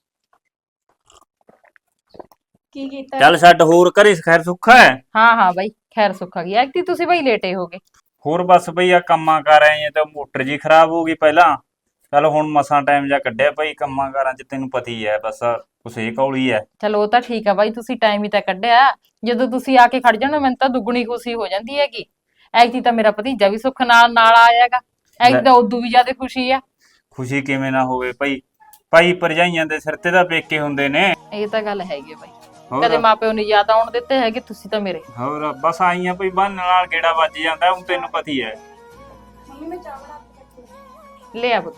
S2: ਕੀ ਕੀਤਾ?
S6: ਚੱਲ ਛੱਡ ਹੋਰ ਘਰੇ ਖੈਰ ਸੁੱਖਾ ਹੈ।
S3: ਹਾਂ ਹਾਂ ਬਾਈ ਖੈਰ ਸੁੱਖ ਆ ਗਈ। ਐਕਟੀ ਤੁਸੀਂ ਬਾਈ ਲੇਟੇ ਹੋਗੇ।
S6: ਹੋਰ ਬਸ ਬਈ ਆ ਕੰਮਾਂ ਕਰ ਆਏ ਆ ਤਾਂ ਮੋਟਰ ਜੀ ਖਰਾਬ ਹੋ ਗਈ ਪਹਿਲਾਂ। ਚੱਲ ਹੁਣ ਮਸਾਂ ਟਾਈਮ ਜਾ ਕੱਢਿਆ ਭਾਈ ਕੰਮਾਂ ਕਾਰਾਂ ਚ ਤੈਨੂੰ ਪਤਾ ਹੀ ਹੈ ਬਸ ਕੁਛ ਇਹ ਕੌਲੀ ਹੈ।
S3: ਚਲੋ ਉਹ ਤਾਂ ਠੀਕ ਆ ਬਾਈ ਤੁਸੀਂ ਟਾਈਮ ਹੀ ਤਾਂ ਕੱਢਿਆ। ਜਦੋਂ ਤੁਸੀਂ ਆ ਕੇ ਖੜ ਜਾਣਾ ਮੈਨੂੰ ਤਾਂ ਦੁੱਗਣੀ ਖੁਸ਼ੀ ਹੋ ਜਾਂਦੀ ਹੈਗੀ। ਐਕਟੀ ਤਾਂ ਮੇਰਾ ਭਤੀਜਾ ਵੀ ਸੁੱਖ ਨਾਲ ਆਇਆਗਾ। ਐਕਟੀ ਤਾਂ ਉਦੋਂ ਵੀ ਜ਼ਿਆਦਾ ਖੁਸ਼ੀ ਆ।
S6: ਖੁਸ਼ੀ ਕਿਵੇਂ ਨਾ ਹੋਵੇ ਭਾਈ ਭਾਈ ਭਰਜਾਈਆਂ ਦੇ ਸਿਰ ਤੇ ਤਾਂ ਪੇਕੇ ਹੁੰਦੇ ਨੇ।
S3: ਇਹ ਤਾਂ ਗੱਲ ਹੈਗੀ ਆ ਬਾਈ।
S6: ਹੋਰ?
S3: ਕਦੇ ਮਾਪਿਓ ਨੇ ਯਾਦ ਆਉਣ ਦਿੱਤੇ ਹੈਗੇ ਤੁਸੀਂ ਤਾਂ ਮੇਰੇ।
S6: ਹੋਰ ਬਸ ਆਈਆਂ ਭਾਈ ਬੰਨ ਨਾਲ ਗੇੜਾ ਵੱਜ ਜਾਂਦਾ ਹੁਣ ਤੈਨੂੰ ਪਤਾ ਹੀ ਹੈ।
S3: ਲੈ ਆ ਪੁੱਤ।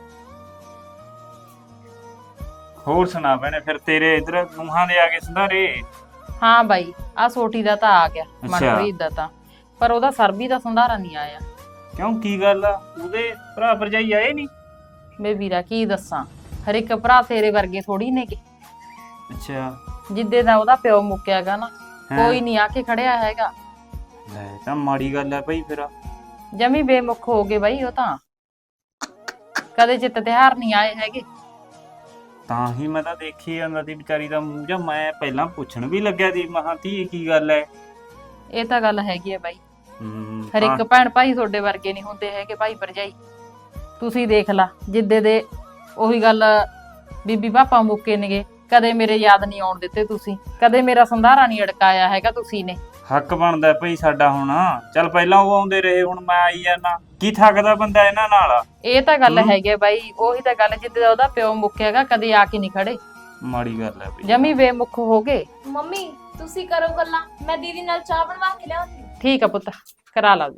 S6: ਹੋਰ ਸੁਣਾ ਭੈਣੇ ਫਿਰ ਤੇਰੇ ਇਧਰ ਨੂੰਹਾਂ ਦੇ ਆ ਗਏ ਸੰਧਾਰੇ।
S3: ਹਾਂ ਬਾਈ ਆ ਸੋਟੀ ਦਾ ਤਾਂ ਆ ਗਿਆ
S6: ਅੱਛਾ।
S3: ਮਨਪ੍ਰੀਤ ਦਾ ਤਾਂ। ਪਰ ਉਹਦਾ ਸਰਬੀ ਦਾ ਸੰਧਾਰਾ ਨਹੀਂ ਆਇਆ।
S6: ਕਿਉਂ ਕੀ ਗੱਲ ਆ ਉਹਦੇ ਭਰਾ ਭਰਜਾਈ ਆਏ ਨਹੀਂ।
S3: ਬੇ ਵੀਰਾ ਕੀ ਦੱਸਾਂ ਹਰ ਇੱਕ ਭਰਾ ਤੇਰੇ ਵਰਗੇ ਥੋੜੀ ਨੇਗੇ।
S6: ਅੱਛਾ
S3: ਜਿੱਦੇ ਦਾ ਉਹਦਾ ਪਿਓ ਮੁੱਕਿਆਗਾ ਨਾ
S6: ਹੈਂ।
S3: ਕੋਈ ਨਹੀਂ ਆ ਕੇ ਖੜਿਆ ਹੈਗਾ।
S6: ਲੈ ਤਾਂ ਮਾੜੀ ਗੱਲ ਹੈ ਭਾਈ ਫਿਰ।
S3: ਜਮੀ ਬੇਮੁਖ ਹੋ ਗਏ ਬਾਈ ਉਹ ਤਾਂ। ਕਦੇ ਚਿੱਤ ਤਿਉਹਾਰ ਨਹੀਂ ਆਏ ਹੈਗੇ।
S6: ਤਾਂ ਹੀ ਮੈਂ ਤਾਂ ਦੇਖੀ ਜਾਂਦਾ ਸੀ ਵਿਚਾਰੀ ਦਾ ਮੂੰਹ ਜਾਂ ਮੈਂ ਪਹਿਲਾਂ ਪੁੱਛਣ ਵੀ ਲੱਗਿਆ ਸੀ ਮਹਾਂ ਧੀ ਕੀ ਗੱਲ ਹੈ।
S3: ਇਹ ਤਾਂ ਗੱਲ ਹੈਗੀ ਹੈ ਬਾਈ। ਹਰ ਇੱਕ ਭੈਣ ਭਾਈ ਤੁਹਾਡੇ ਵਰਗੇ ਨਹੀਂ ਹੁੰਦੇ ਹੈਗੇ ਭਾਈ ਭਰਜਾਈ। ਤੁਸੀਂ ਦੇਖ ਲਾ ਜਿੱਦੇ ਦੇ ਉਹੀ ਗੱਲ ਬੀਬੀ ਪਾਪਾ ਮੁੱਕੇ ਨੇਗੇ ਕਦੇ ਮੇਰੇ ਯਾਦ ਨਹੀਂ ਆਉਣ ਦਿੱਤੇ ਤੁਸੀਂ। ਕਦੇ ਮੇਰਾ ਸੰਧਾਰਾ ਨਹੀਂ ਅੜਕਾਇਆ ਹੈਗਾ ਤੁਸੀਂ ਨੇ।
S6: ਹੱਕ ਬਣਦਾ ਭਾਈ ਸਾਡਾ ਹੁਣ। ਚੱਲ ਪਹਿਲਾਂ ਉਹ ਆਉਂਦੇ ਰਹੇ ਹੁਣ ਮੈਂ ਆਈ ਜਾਣਾ ਕੀ ਥੱਕਦਾ ਬੰਦਾ ਇਹਨਾਂ ਨਾਲ।
S3: ਇਹ ਤਾਂ ਗੱਲ ਹੈਗੀ ਹੈ ਬਾਈ। ਉਹੀ ਤਾਂ ਗੱਲ ਜਿੱਦੇ ਦਾ ਉਹਦਾ ਪਿਓ ਮੁੱਕਿਆਗਾ ਕਦੇ ਆ ਕੇ ਨਹੀਂ ਖੜੇ।
S6: ਮਾੜੀ ਗੱਲ ਹੈ ਭਾਈ।
S3: ਜਮੀ ਬੇਮੁਖ ਹੋ ਗਏ।
S2: ਮੰਮੀ ਤੁਸੀਂ ਕਰੋ ਗੱਲਾਂ ਮੈਂ ਦੀਦੀ ਨਾਲ ਚਾਹ ਬਣਵਾ ਕੇ ਲਿਆਉਂਦੀ।
S3: ਠੀਕ ਆ ਪੁੱਤ ਕਰਾ ਲਾ।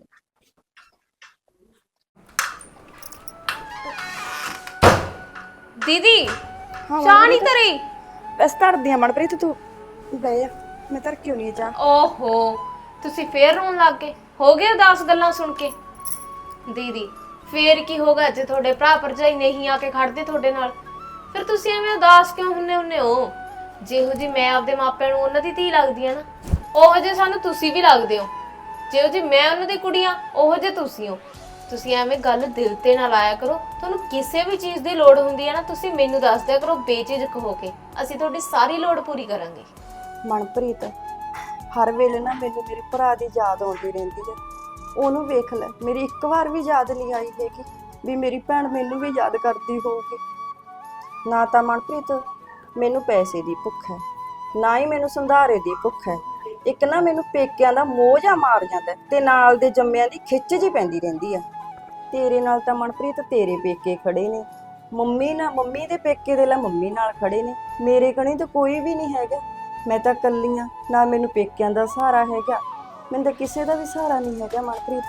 S2: ਦੀਦੀ ਚਾਹ ਨਹੀਂ ਧਰੀ।
S1: ਬਸ ਧਰਦੀ ਆ ਮਨਪ੍ਰੀਤ ਤੂੰ ਬਹਿ ਜਾ ਮੈਂ ਧਰ ਕਿਉਂ ਨਹੀਂ ਚਾਹ।
S2: ਓਹੋ ਤੁਸੀਂ ਫੇਰ ਰੋਣ ਲੱਗ ਗਏ। ਹੋ ਗਏ ਉਦਾਸ ਗੱਲਾਂ ਸੁਣ ਕੇ। ਦੀਦੀ ਫੇਰ ਕੀ ਹੋਗਾ ਜੇ ਤੁਹਾਡੇ ਭਰਾ ਭਰਜਾਈ ਨਹੀਂ ਆ ਕੇ ਖੜਦੇ ਤੁਹਾਡੇ ਨਾਲ। ਫਿਰ ਤੁਸੀਂ ਐਵੇਂ ਉਦਾਸ ਕਿਉਂ ਹੁੰਨੇ ਹੋ। ਜਿਹੋ ਜੀ ਮੈਂ ਆਪਦੇ ਮਾਪਿਆਂ ਨੂੰ ਉਹਨਾਂ ਦੀ ਧੀ ਲੱਗਦੀ ਆ ਨਾ ਉਹੋ ਜੇ ਸਾਨੂੰ ਤੁਸੀਂ ਵੀ ਲੱਗਦੇ ਹੋ। ਜਿਹੋ ਜੀ ਮੈਂ ਉਹਨਾਂ ਦੀ ਕੁੜੀ ਆ ਉਹੋ ਜੇ ਤੁਸੀਂ ਹੋ। ਤੁਸੀਂ ਐਵੇਂ ਗੱਲ ਦਿਲ ਤੇ ਨਾ ਲਾਇਆ ਕਰੋ। ਤੁਹਾਨੂੰ ਕਿਸੇ ਵੀ ਚੀਜ਼ ਦੀ ਲੋੜ ਹੁੰਦੀ ਹੈ ਨਾ ਤੁਸੀਂ ਮੈਨੂੰ ਦੱਸ ਦਿਆ ਕਰੋ ਬੇਝਿਜਕ ਹੋ ਕੇ। ਅਸੀਂ ਤੁਹਾਡੀ ਸਾਰੀ ਲੋੜ ਪੂਰੀ ਕਰਾਂਗੇ।
S1: ਮਨਪ੍ਰੀਤ ਹਰ ਵੇਲੇ ਨਾ ਮੈਨੂੰ ਮੇਰੇ ਭਰਾ ਦੀ ਯਾਦ ਆਉਂਦੀ ਰਹਿੰਦੀ ਹੈ। ਉਹਨੂੰ ਵੇਖ ਲੈ ਮੇਰੀ ਇੱਕ ਵਾਰ ਵੀ ਯਾਦ ਨਹੀਂ ਆਈ ਹੈਗੀ ਵੀ ਮੇਰੀ ਭੈਣ ਮੈਨੂੰ ਵੀ ਯਾਦ ਕਰਦੀ ਹੋਊਗੀ। ਨਾ ਤਾਂ ਮਨਪ੍ਰੀਤ ਮੈਨੂੰ ਪੈਸੇ ਦੀ ਭੁੱਖ ਹੈ ਨਾ ਹੀ ਮੈਨੂੰ ਸੰਧਾਰੇ ਦੀ ਭੁੱਖ ਹੈ। ਇੱਕ ਨਾ ਮੈਨੂੰ ਪੇਕਿਆਂ ਦਾ ਮੋਹ ਜਿਹਾ ਮਾਰ ਜਾਂਦਾ ਤੇ ਨਾਲ ਦੇ ਜੰਮਿਆਂ ਦੀ ਖਿੱਚ ਜੀ ਪੈਂਦੀ ਰਹਿੰਦੀ ਆ। ਤੇਰੇ ਨਾਲ ਤਾਂ ਮਨਪ੍ਰੀਤ ਤੇਰੇ ਪੇਕੇ ਖੜੇ ਨੇ। ਮੰਮੀ ਦੇ ਪੇਕੇ ਦੇ ਲੈ ਮੰਮੀ ਨਾਲ ਖੜੇ ਨੇ। ਮੇਰੇ ਕਣੀ ਤਾਂ ਕੋਈ ਵੀ ਨਹੀਂ ਹੈਗਾ। ਮੈਂ ਤਾਂ ਇਕੱਲੀ ਆ ਨਾ ਮੈਨੂੰ ਪੇਕਿਆਂ ਦਾ ਸਹਾਰਾ ਹੈਗਾ ਮੈਨੂੰ ਤਾਂ ਕਿਸੇ ਦਾ ਵੀ ਸਹਾਰਾ ਨਹੀਂ ਹੈਗਾ ਮਨਪ੍ਰੀਤ।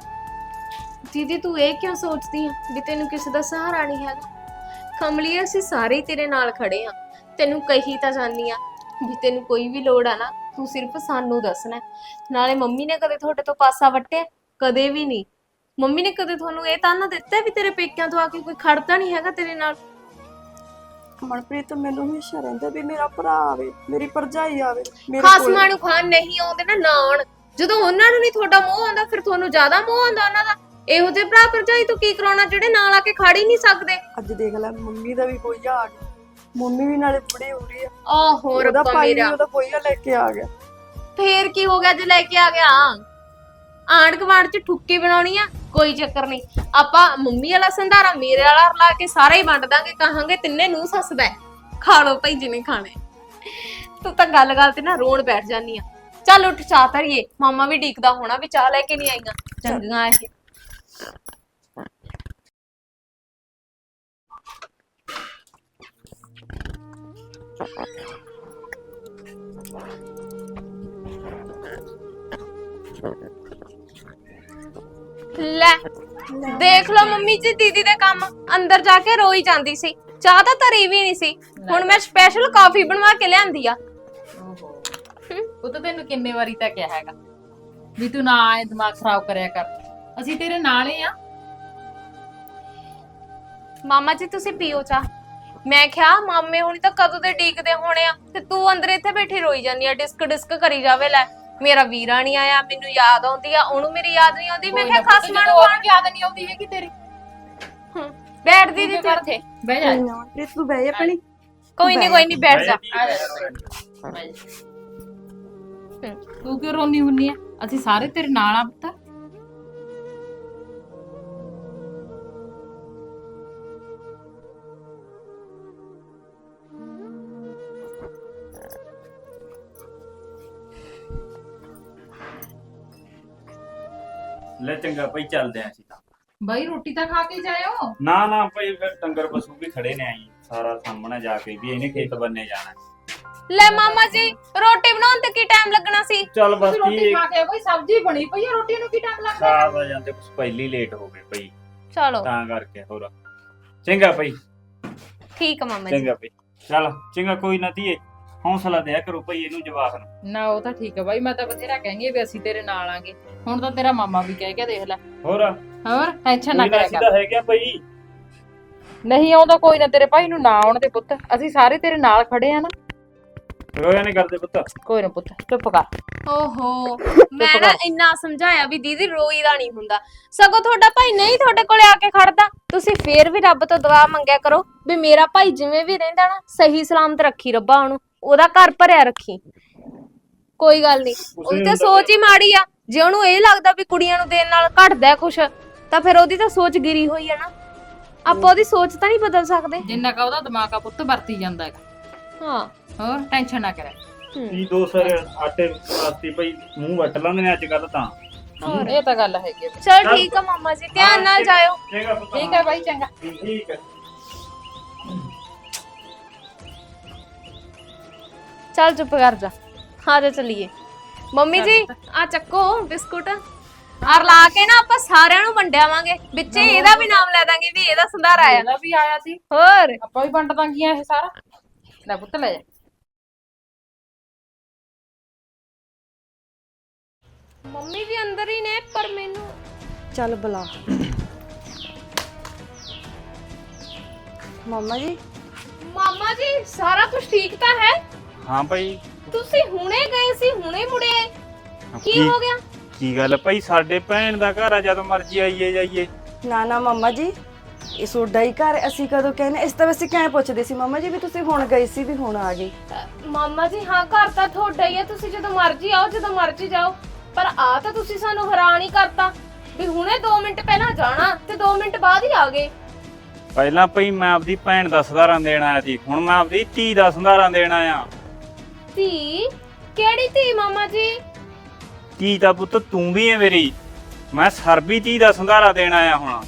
S2: ਦੀਦੀ ਤੂੰ ਇਹ ਕਿਉਂ ਸੋਚਦੀ ਆ ਵੀ ਤੈਨੂੰ ਕਿਸੇ ਦਾ ਸਹਾਰਾ ਨਹੀਂ ਹੈਗਾ। ਕਮਲੀਏ ਅਸੀਂ ਸਾਰੇ ਤੇਰੇ ਨਾਲ ਖੜੇ ਆ। ਤੈਨੂੰ ਕਹੀ ਤਾਂ ਜਾਨੀ ਆ ਵੀ ਤੈਨੂੰ ਕੋਈ ਵੀ ਲੋੜ ਆ ਨਾ ਤੂੰ ਸਿਰਫ ਸਾਨੂੰ ਦੱਸਣਾ। ਨਾਲੇ ਮੰਮੀ ਨੇ ਕਦੇ ਤੁਹਾਡੇ ਤੋਂ ਪਾਸਾ ਵੱਟਿਆ ਕਦੇ ਵੀ ਨਹੀਂ। ਮੰਮੀ ਨੇ ਕਦੇ ਤੁਹਾਨੂੰ ਇਹ ਤਾਂ ਨਾ ਦਿੱਤਾ ਵੀ ਤੇਰੇ ਪੇਕਿਆਂ ਤੋਂ ਆ ਕੇ ਕੋਈ ਖੜਦਾ ਨਹੀਂ ਹੈਗਾ ਤੇਰੇ ਨਾਲ।
S1: ਮਨਪ੍ਰੀਤ ਮੈਨੂੰ ਹਮੇਸ਼ਾ ਰਹਿੰਦਾ ਵੀ ਮੇਰਾ ਭਰਾ ਆਵੇ ਮੇਰੀ ਭਰਜਾਈ ਆਵੇ ਮੇਰੇ
S2: ਖਾਸਮਾਂ ਨੂੰ ਖਾਨ ਨਹੀਂ ਆਉਂਦੇ ਨਾ ਆਉਣ। ਜਦੋਂ ਉਹਨਾਂ ਨੂੰ ਨਹੀਂ ਤੁਹਾਡਾ ਮੋਹ ਆਉਂਦਾ ਫਿਰ ਤੁਹਾਨੂੰ ਜ਼ਿਆਦਾ ਮੋਹ ਆਉਂਦਾ ਉਹਨਾਂ ਦਾ। ਇਹੋ ਜਿਹੇ ਭਰਾ ਭਰਜਾਈ ਤੋਂ ਕੀ ਕਰਾਉਣਾ ਜਿਹੜੇ ਨਾਲ ਆ ਕੇ ਖੜ ਹੀ ਨਹੀਂ ਸਕਦੇ।
S1: ਅੱਜ ਦੇਖ ਲੈ ਮੰਮੀ ਦਾ ਵੀ ਕੋਈ ਆ ਗਿਆ। ਮੰਮੀ ਵੀ ਨਾਲੇ ਬੁੜੀ ਹੋ ਰਹੀ ਆ।
S2: ਆਹੋ
S1: ਉਹਦਾ
S2: ਰੱਬਾ
S1: ਭਾਈ
S2: ਮੇਰਾ।
S1: ਉਹਦਾ ਕੋਈ ਲੈ ਕੇ ਆ ਗਿਆ।
S2: ਫੇਰ ਕੀ ਹੋ ਗਿਆ ਜੇ ਲੈ ਕੇ ਆ ਗਿਆ। ਆਂਢ ਗੁਆਂਢ ਚ ਠੁੱਕੀ ਬਣਾਉਣੀ ਆ ਕੋਈ ਚੱਕਰ ਨਹੀਂ। ਆਪਾਂ ਮੰਮੀ ਵਾਲਾ ਸੰਧਾਰਾ ਮੇਰੇ ਵਾਲਾ ਲਾ ਕੇ ਸਾਰਾ ਹੀ ਵੰਡ ਦਾਂਗੇ। ਕਹਾਂਗੇ ਤਿੰਨੇ ਨੂੰ ਸੱਸਦਾ ਖਾ ਲੋ ਭਾਈ ਜਿਨੇ ਖਾਣੇ। ਤੂੰ ਤਾਂ ਗੱਲ ਗੱਲ ਤੇ ਨਾ ਰੋਣ ਬੈਠ ਜਾਨੀ ਆ। ਚੱਲ ਉੱਠ ਚਾਹ ਧਰੀਏ। ਮਾਮਾ ਵੀ ਡੀਕਦਾ ਹੋਣਾ ਵੀ ਚਾਹ ਲੈ ਕੇ ਨਹੀਂ ਆਈਆਂ ਚੰਗੀਆਂ ਇਹ। ਲੈ ਦੇਖ ਲਓ ਮੰਮੀ ਜੀ ਦੀਦੀ ਦੇ ਕੰਮ ਅੰਦਰ ਜਾ ਕੇ ਰੋਈ ਜਾਂਦੀ ਸੀ। ਚਾਹ ਤਾਂ ਧਰੀ ਵੀ ਨਹੀਂ ਸੀ। ਹੁਣ ਮੈਂ ਸਪੈਸ਼ਲ ਕਾਫੀ ਬਣਵਾ ਕੇ ਲਿਆਂਦੀ ਆ।
S3: ਓਹੋ ਉਹ ਤਾਂ ਤੈਨੂੰ ਕਿੰਨੇ ਵਾਰੀ ਤਾਂ ਕਿਹਾ ਹੈਗਾ ਵੀ ਤੂੰ ਨਾ ਐ ਦਿਮਾਗ ਖਰਾਬ ਕਰਿਆ ਕਰ, ਅਸੀਂ ਤੇਰੇ ਨਾਲ ਹੀ ਆ।
S2: ਮਾਮਾ ਜੀ ਤੁਸੀਂ ਪੀਓ ਚਾਹ। ਮੈਂ ਕਿਹਾ ਮਾਮੇ ਹੁਣੀ ਤਾਂ ਕਦੋਂ ਦੇ ਡੀਕਦੇ ਹੋਣੇ ਆ ਤੇ ਤੂੰ ਅੰਦਰ ਇੱਥੇ ਬੈਠੀ ਰੋਈ ਜਾਂਦੀ ਆ, ਡਿਸਕ ਡਿਸਕ ਕਰੀ ਜਾਵੇ। ਲੈ ਮੇਰਾ ਵੀਰਾ ਨਹੀਂ ਆਇਆ, ਮੈਨੂੰ ਯਾਦ ਆਉਂਦੀ ਆ, ਉਹਨੂੰ ਮੇਰੀ ਯਾਦ ਨਹੀਂ ਆਉਂਦੀ। ਮੈਂ ਕਿਹਾ ਖਸਮਾਂ ਨੂੰ
S3: ਹੋਰ ਯਾਦ ਨਹੀਂ ਆਉਂਦੀ ਹੈਗੀ ਤੇਰੀ।
S2: ਬੈਠ ਦੀਦੀ ਤੂੰ ਇੱਥੇ।
S3: ਬਹਿ ਜਾ
S1: ਪ੍ਰੀਤ ਤੂੰ ਬਹਿ ਜਾ ਭੈਣੇ।
S2: ਕੋਈ ਨਹੀਂ ਬੈਠ ਜਾ।
S3: ਆ ਜਾ ਬਹਿ ਜਾ। ਤੂੰ ਕਿਉਂ ਰੋਣੀ ਹੁੰਨੀ ਆ? ਅਸੀਂ ਸਾਰੇ ਤੇਰੇ ਨਾਲ ਆ ਪੁੱਤ।
S6: ਲੈ ਚੰਗਾ ਭਾਈ ਚੱਲਦੇ ਆਂ ਅਸੀਂ ਤਾਂ।
S3: ਬਾਈ ਰੋਟੀ ਤਾਂ ਖਾ ਕੇ ਜਾਇਓ।
S6: ਨਾ ਨਾ ਭਾਈ ਫਿਰ ਡੰਗਰ ਪਸ਼ੂ ਵੀ ਖੜੇ ਨੇ ਆਈ ਸਾਰਾ ਸਾਹਮਣੇ ਜਾ ਕੇ ਵੀ ਇਹਨੇ ਖੇਤ ਬੰਨੇ ਜਾਣਾ।
S2: ਲੈ ਮਾਮਾ ਜੀ ਰੋਟੀ ਬਣਾਉਣ ਤੇ ਕੀ ਟਾਈਮ ਲੱਗਣਾ ਸੀ?
S6: ਚੱਲ ਬਸ
S3: ਤੁਸੀਂ ਰੋਟੀ
S6: ਕੀ
S3: ਖਾ ਕੇ ਕੋਈ ਸਬਜ਼ੀ ਬਣੀ ਪਈ ਆ, ਰੋਟੀ ਨੂੰ ਕੀ ਟਾਈਮ ਲੱਗਦਾ?
S6: ਖਾ ਆ ਜਾਂਦੇ ਕੁਛ ਪਹਿਲੀ ਲੇਟ ਹੋ ਗਏ ਭਾਈ
S2: ਚਲੋ
S6: ਤਾਂ ਕਰਕੇ। ਹੋਰ ਚੰਗਾ ਭਾਈ,
S2: ਠੀਕ ਆ ਮਾਮਾ ਜੀ।
S6: ਚੰਗਾ ਭਾਈ। ਚੱਲ ਚੰਗਾ, ਕੋਈ ਨਾ ਧੀਏ ਹੌਸਲਾ ਦਿਆ ਕਰੋ ਭਾਈ ਇਹਨੂੰ ਜਵਾਕ ਨੂੰ।
S3: ਨਾ ਉਹ ਤਾਂ ਠੀਕ ਆ ਬਾਈ, ਮੈਂ ਤਾਂ ਬਥੇਰਾ ਕਹਿੰਗੀ ਵੀ ਅਸੀਂ ਤੇਰੇ ਨਾਲ ਆਂਗੇ। ਹੁਣ ਤਾਂ ਤੇਰਾ ਮਾਮਾ ਵੀ ਕਹਿ ਗਿਆ, ਦੇਖ ਲੈ।
S6: ਹੋਰ
S3: ਹੋਰ ਟੈਨਸ਼ਨ ਨਾ
S6: ਕੋਈ ਨਾ,
S3: ਕਰਿਆ
S6: ਅਸੀਂ
S3: ਕਰ।
S6: ਤਾਂ ਹੈਗੇ ਆ ਭਾਈ।
S3: ਨਹੀਂ ਆਉਂਦਾ ਕੋਈ ਨਾ, ਤੇਰੇ ਭਾਈ ਨੂੰ ਨਾ ਆਉਣ ਦੇ ਪੁੱਤ, ਅਸੀਂ ਸਾਰੇ ਤੇਰੇ ਨਾਲ ਖੜੇ ਆ ਨਾ।
S6: ਰੋਇਆ ਨਹੀਂ ਕਰਦੇ ਪੁੱਤ।
S3: ਕੋਈ ਨਾ ਪੁੱਤ ਚੁੱਪ ਕਰ।
S2: ਓਹੋ ਮੈਂ ਨਾ ਇੰਨਾ ਸਮਝਾਇਆ ਵੀ ਦੀਦੀ ਰੋਈ ਦਾ ਨਹੀਂ ਹੁੰਦਾ, ਸਗੋਂ ਤੁਹਾਡਾ ਭਾਈ ਨਹੀਂ ਤੁਹਾਡੇ ਕੋਲੇ ਆ ਕੇ ਖੜਦਾ। ਤੁਸੀਂ ਫੇਰ ਵੀ ਰੱਬ ਤੋਂ ਦੁਆ ਮੰਗਿਆ ਕਰੋ ਵੀ ਮੇਰਾ ਭਾਈ ਜਿਵੇਂ ਵੀ ਰਹਿੰਦਾ ਨਾ ਸਹੀ ਸਲਾਮਤ ਰੱਖੀ ਰੱਬਾ ਉਹਨੂੰ, ਉਹਦਾ ਘਰ ਭਰਿਆ ਰੱਖੀ। ਕੋਈ ਗੱਲ ਨਹੀਂ, ਉਹਦੀ ਤਾਂ ਸੋਚ ਹੀ ਮਾੜੀ ਆ। ਜੇ ਉਹਨੂੰ ਇਹ ਲੱਗਦਾ ਵੀ ਕੁੜੀਆਂ ਨੂੰ ਦੇਣ ਨਾਲ ਘਟਦਾ ਕੁਛ, ਤਾਂ ਫਿਰ ਉਹਦੀ ਤਾਂ ਸੋਚ ਗਿਰੀ ਹੋਈ ਆ ਨਾ। ਆਪਾਂ ਉਹਦੀ ਸੋਚ ਤਾਂ ਨਹੀਂ ਬਦਲ ਸਕਦੇ।
S3: ਜਿੰਨਾ ਕਾ ਉਹਦਾ ਦਿਮਾਗ ਆ ਪੁੱਤ ਵਰਤੀ ਜਾਂਦਾ ਹੈਗਾ।
S2: ਹਾਂ
S3: ਹੋਰ ਟੈਨਸ਼ਨ ਨਾ ਕਰਿਆ।
S6: ਕੀ ਦੋ ਸਾਰੇ ਆਟੇ ਵਾਸਤੇ ਭਾਈ ਮੂੰਹ ਵੱਟ ਲੈਂਦੇ ਨੇ ਅੱਜ ਕੱਲ ਤਾਂ।
S3: ਹੋਰ ਇਹ ਤਾਂ ਗੱਲ ਹੈਗੀ ਆ।
S2: ਚਲ ਠੀਕ ਆ ਮਾਮਾ ਜੀ, ਧਿਆਨ ਨਾਲ ਜਾਇਓ।
S6: ਚੰਗਾ ਪੁੱਤ।
S3: ਠੀਕ ਹੈ ਬਾਈ, ਚੰਗਾ।
S6: ਠੀਕ ਹੈ।
S2: ਚੱਲ ਚੁੱਪ ਕਰ ਜਾ, ਆ ਜਾ ਚਲੀਏ। ਮੰਮੀ ਜੀ ਆ ਚੱਕੋ ਬਿਸਕੁਟ, ਆਰ ਲਾ ਕੇ ਨਾ ਆਪਾਂ ਸਾਰਿਆਂ ਨੂੰ ਵੰਡਿਆਵਾਂਗੇ, ਵਿੱਚੇ ਇਹਦਾ ਵੀ ਨਾਮ ਲੈ ਦਾਂਗੇ ਵੀ ਇਹਦਾ ਸੰਧਾਰ ਆਇਆ।
S3: ਇਹਦਾ ਵੀ ਆਇਆ ਸੀ,
S2: ਹੋਰ
S3: ਆਪਾਂ ਵੀ ਵੰਡ ਦਾਂਗੀਆਂ ਇਹ ਸਾਰਾ। ਲੈ ਪੁੱਤ ਲੈ ਜਾ।
S2: ਮੰਮੀ ਵੀ ਅੰਦਰ ਹੀ ਨੇ, ਪਰ ਮੈਨੂੰ
S1: ਚੱਲ ਬੁਲਾ ਮੰਮਾ ਜੀ।
S2: ਮਾਮਾ ਜੀ ਸਾਰਾ ਕੁਝ ਠੀਕ ਤਾਂ ਹੈ?
S6: ਹਾਂ ਭਾਈ।
S2: ਤੁਸੀਂ ਹੁਣੇ ਗਏ ਸੀ ਹੁਣੇ ਮੁੜੇ ਆਏ, ਕੀ ਹੋ ਗਿਆ?
S6: ਕੀ ਗੱਲ ਭਾਈ, ਸਾਡੇ ਭੈਣ ਦਾ ਘਰ ਆ, ਜਦੋਂ ਮਰਜ਼ੀ ਆਈਏ ਜਾਈਏ।
S1: ਨਾ ਨਾ ਮੰਮਾ ਜੀ, ਇਹ ਸੋਡਾ ਹੀ ਘਰ, ਅਸੀਂ ਕਦੋਂ ਕਹਿੰਦੇ। ਇਸ ਤਾਂ ਵੈਸੇ ਕਿਵੇਂ ਪੁੱਛਦੇ ਸੀ ਮੰਮਾ ਜੀ ਵੀ ਤੁਸੀਂ ਹੁਣ ਗਏ ਸੀ ਵੀ ਹੁਣ ਆ ਗਏ।
S2: ਮਾਮਾ ਜੀ ਹਾਂ ਘਰ ਤਾਂ ਤੁਹਾਡਾ ਹੀ ਹੈ, ਤੁਸੀਂ ਜਦੋਂ ਮਰਜ਼ੀ ਆਓ ਜਦੋਂ ਮਰਜ਼ੀ ਜਾਓ। ਪਰ ਆ ਤਾਂ ਤੁਸੀਂ ਸਾਨੂੰ ਹੈਰਾਨ ਹੀ ਕਰਤਾ ਵੀ ਹੁਣੇ 2 ਮਿੰਟ ਪਹਿਲਾਂ ਜਾਣਾ ਤੇ 2 ਮਿੰਟ ਬਾਅਦ ਹੀ ਆ ਗਏ।
S6: ਪਹਿਲਾਂ ਭਾਈ ਮੈਂ ਆਪਦੀ ਭੈਣ ਦਾ ਸੰਧਾਰਾ ਦੇਣ ਆਇਆ ਸੀ, ਹੁਣ ਮੈਂ ਆਪਦੀ ਧੀ ਦਾ ਸੰਧਾਰਾ ਦੇਣ ਆਇਆ।
S2: ਧੀ? ਕਿਹੜੀ ਧੀ ਮਾਮਾ ਜੀ?
S6: ਧੀ ਦਾ ਪੁੱਤ ਤੂੰ ਵੀ ਹੈ ਮੇਰੀ, ਮੈਂ ਸਰਬੀ ਧੀ ਦਾ ਸੰਧਾਰਾ ਦੇਣ ਆਇਆ ਹੁਣ।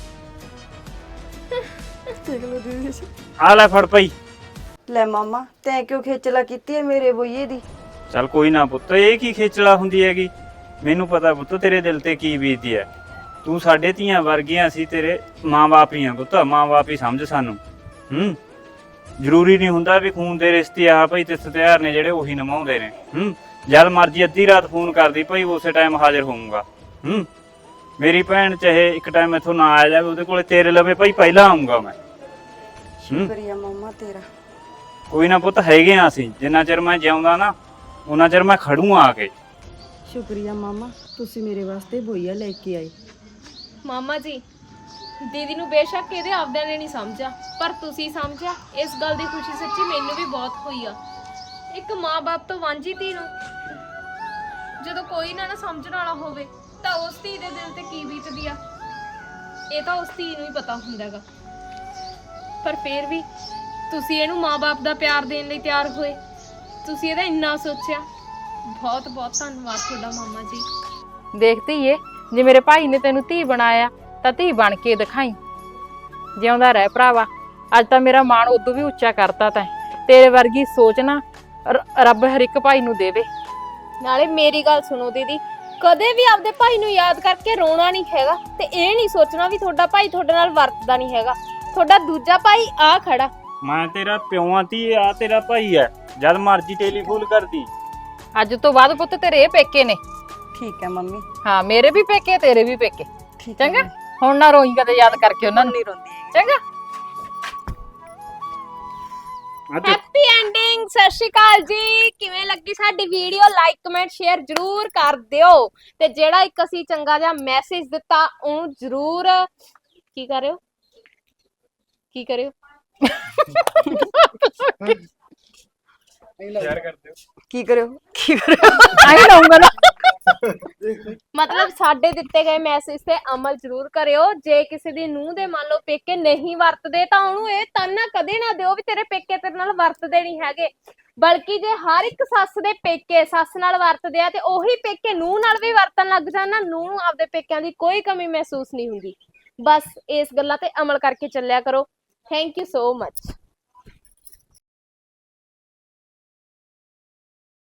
S1: ਦੇਖ ਲਓ ਦੀਦੀ।
S6: ਆ ਲੈ ਫੜ ਭਾਈ।
S1: ਲੈ ਮਾਮਾ ਤੈਂ ਕਿਉਂ ਖੇਚਲਾ ਕੀਤੀ ਹੈ ਮੇਰੇ ਬੋਈਏ ਦੀ?
S6: ਚੱਲ ਕੋਈ ਨਾ ਪੁੱਤ, ਇਹ ਕੀ ਖੇਚਲਾ ਹੁੰਦੀ ਹੈਗੀ। ਮੈਨੂੰ ਪਤਾ ਪੁੱਤ ਤੇਰੇ ਦਿਲ ਤੇ ਕੀ ਬੀਤਦੀ ਹੈ। ਤੂੰ ਸਾਡੇ ਧੀਆਂ ਵਰਗੀਆਂ, ਅਸੀਂ ਤੇਰੇ ਮਾਂ-ਬਾਪ ਹੀ ਆ ਪੁੱਤ, ਮਾਂ-ਬਾਪ ਹੀ ਸਮਝ ਸਾਨੂੰ। ਜ਼ਰੂਰੀ ਨਹੀਂ ਹੁੰਦਾ ਵੀ ਖੂਨ ਦੇ ਰਿਸ਼ਤੇ ਆ ਭਾਈ ਤੇ ਤਿਉਹਾਰ ਨੇ ਜਿਹੜੇ ਉਹੀ ਨਿਭਾਉਂਦੇ ਨੇ। ਜਦ ਮਰਜੀ ਅੱਧੀ ਰਾਤ ਫੋਨ ਕਰਦੀ ਭਾਈ, ਉਸੇ ਟਾਈਮ ਹਾਜ਼ਰ ਹੋਊਂਗਾ। ਮੇਰੀ ਭੈਣ ਚਾਹੇ ਇੱਕ ਟਾਈਮ ਇੱਥੋਂ ਨਾ ਆ ਜਾਵੇ, ਉਹਦੇ ਕੋਲੇ ਤੇਰੇ ਲਵੇ ਭਾਈ ਪਹਿਲਾਂ ਆਊਂਗਾ ਮੈਂ।
S1: ਸ਼ੁਕਰੀਆ ਮਾਮਾ ਤੇਰਾ।
S6: ਕੋਈ ਨਾ ਪੁੱਤ, ਹੈਗੇ ਆ ਅਸੀਂ। ਜਿੰਨਾ ਚਿਰ ਮੈਂ ਜਿਉਂਦਾ ਨਾ ਉਹਨਾਂ ਚਿਰ ਮੈਂ ਖੜੂ ਆ ਕੇ।
S1: ਸ਼ੁਕਰੀਆ ਮਾਮਾ, ਤੁਸੀਂ ਮੇਰੇ ਵਾਸਤੇ ਬੋਈਆ ਲੈ ਕੇ ਆਏ।
S2: ਮਾਮਾ ਜੀ ਦੀਦੀ ਨੂੰ ਬੇਸ਼ੱਕ ਇਹਦੇ ਆਪਦਿਆਂ ਨੇ ਨਹੀਂ ਸਮਝਿਆ, ਪਰ ਤੁਸੀਂ ਸਮਝਿਆ। ਇਸ ਗੱਲ ਦੀ ਖੁਸ਼ੀ ਸੱਚੀ ਮੈਨੂੰ ਵੀ ਬਹੁਤ ਹੋਈ ਆ। ਇੱਕ ਮਾਂ-ਬਾਪ ਤੋਂ ਵਾਂਝੀ ਧੀ ਨੂੰ ਜਦੋਂ ਕੋਈ ਨਾ ਸਮਝਣ ਵਾਲਾ ਹੋਵੇ ਤਾਂ ਉਸ ਧੀ ਦੇ ਦਿਲ ਤੇ ਕੀ ਬੀਤਦੀ ਆ, ਇਹ ਤਾਂ ਉਸ ਧੀ ਨੂੰ ਹੀ ਪਤਾ ਹੁੰਦਾ ਹੈਗਾ। ਪਰ ਫੇਰ ਵੀ ਤੁਸੀਂ ਇਹਨੂੰ ਮਾਂ-ਬਾਪ ਦਾ ਪਿਆਰ ਦੇਣ ਲਈ ਤਿਆਰ ਹੋਏ, ਤੁਸੀਂ ਇਹਦਾ ਇੰਨਾ ਸੋਚਿਆ। ਬਹੁਤ ਬਹੁਤ ਧੰਨਵਾਦ ਤੁਹਾਡਾ ਮਾਮਾ ਜੀ।
S3: ਦੇਖਤੀ ਏ, ਜੇ ਮੇਰੇ ਭਾਈ ਨੇ ਤੈਨੂੰ ਧੀ ਬਣਾਇਆ ਤਾਂ ਧੀ ਬਣ ਕੇ ਦਿਖਾਈ। ਜਿਉਂਦਾ ਰਹਿ ਭਰਾਵਾ, ਅੱਜ ਤਾਂ ਮੇਰਾ ਮਾਣ ਉਦੋਂ ਵੀ ਉੱਚਾ ਕਰਤਾ ਤੈਂ। ਤੇਰੇ ਵਰਗੀ ਸੋਚ ਨਾ ਰੱਬ ਹਰ ਇੱਕ ਭਾਈ ਨੂੰ ਦੇਵੇ।
S2: ਨਾਲੇ ਮੇਰੀ ਗੱਲ ਸੁਣੋ ਦੀਦੀ, ਕਦੇ ਵੀ ਆਪਦੇ ਭਾਈ ਨੂੰ ਯਾਦ ਕਰਕੇ ਰੋਣਾ ਨਹੀਂ ਹੈਗਾ ਤੇ ਇਹ ਨਹੀਂ ਸੋਚਣਾ ਵੀ ਤੁਹਾਡਾ ਭਾਈ ਤੁਹਾਡੇ ਨਾਲ ਵਰਤਦਾ ਨਹੀਂ ਹੈਗਾ। ਤੁਹਾਡਾ ਦੂਜਾ ਭਾਈ ਆ ਖੜਾ।
S6: ਮੈਂ ਤੇਰਾ ਪਿਓ ਆਂ ਤੀ, ਆ ਤੇਰਾ ਭਾਈ ਹੈ, ਜਦ ਮਰਜੀ ਟੈਲੀਫੋਨ ਕਰਦੀ।
S3: ਅੱਜ ਤੋਂ ਬਾਅਦ ਪੁੱਤ ਤੇਰੇ ਇਹ ਪੇਕੇ ਨੇ।
S1: ਠੀਕ ਹੈ ਮੰਮੀ,
S3: ਹਾਂ, ਮੇਰੇ ਵੀ ਪੇਕੇ ਤੇਰੇ ਵੀ ਪੇਕੇ।
S1: ਠੀਕ ਹੈ
S3: ਚੰਗਾ, ਹੁਣ ਨਾ ਰੋਈ ਕਦੇ ਯਾਦ ਕਰਕੇ ਉਹਨਾਂ ਨੂੰ।
S1: ਨਹੀਂ ਰੋਂਦੀ ਹੈਗੀ।
S3: ਚੰਗਾ,
S2: ਹੈਪੀ ਐਂਡਿੰਗ। ਸਤਿ ਸ਼੍ਰੀ ਅਕਾਲ ਜੀ। ਕਿਵੇਂ ਲੱਗੀ ਸਾਡੀ ਵੀਡੀਓ? ਲਾਈਕ ਕਮੈਂਟ ਸ਼ੇਅਰ ਜਰੂਰ ਕਰ ਦਿਓ ਤੇ ਜਿਹੜਾ ਇੱਕ ਅਸੀਂ ਚੰਗਾ ਜਿਹਾ ਮੈਸੇਜ ਦਿੱਤਾ ਉਹਨੂੰ ਜਰੂਰ ਕੀ ਕਰਿਓ ਕੀ ਕਰਿਓ
S6: ਸ਼ੇਅਰ ਕਰ ਦਿਓ।
S1: ਕੀ ਕਰਿਓ ਕੀ ਕਰਿਓ
S3: ਆਹੀ ਲਾਉਂਗਾ ਨਾ।
S2: ਮਤਲਬ ਸਾਡੇ ਦਿੱਤੇ ਗਏ ਮੈਸੇਜ ਤੇ ਅਮਲ ਜ਼ਰੂਰ ਕਰਿਓ। ਜੇ ਕਿਸੇ ਦੀ ਨੂੰਹ ਦੇ ਮੰਨ ਲਓ ਪੇਕੇ ਨਹੀਂ ਵਰਤਦੇ ਤਾਂ ਉਹਨੂੰ ਇਹ ਤਾਨਾ ਕਦੇ ਨਾ ਦਿਓ ਵੀ ਤੇਰੇ ਪੇਕੇ ਤੇਰੇ ਨਾਲ ਵਰਤਦੇ ਨਹੀਂ ਹੈਗੇ, ਬਲਕਿ ਜੇ ਹਰ ਇੱਕ ਸੱਸ ਦੇ ਪੇਕੇ ਸੱਸ ਨਾਲ ਵਰਤਦੇ ਆ ਤੇ ਉਹੀ ਪੇਕੇ ਨੂੰਹ ਨਾਲ ਵੀ ਵਰਤਣ ਲੱਗ ਜਾਣ ਨਾ, ਨੂੰਹ ਨੂੰ ਆਪਦੇ ਪੇਕਿਆਂ ਦੀ ਕੋਈ ਕਮੀ ਮਹਿਸੂਸ ਨਹੀਂ ਹੁੰਦੀ। ਬਸ ਇਸ ਗੱਲਾਂ ਤੇ ਅਮਲ ਕਰਕੇ ਚੱਲਿਆ ਕਰੋ। Thank you so much.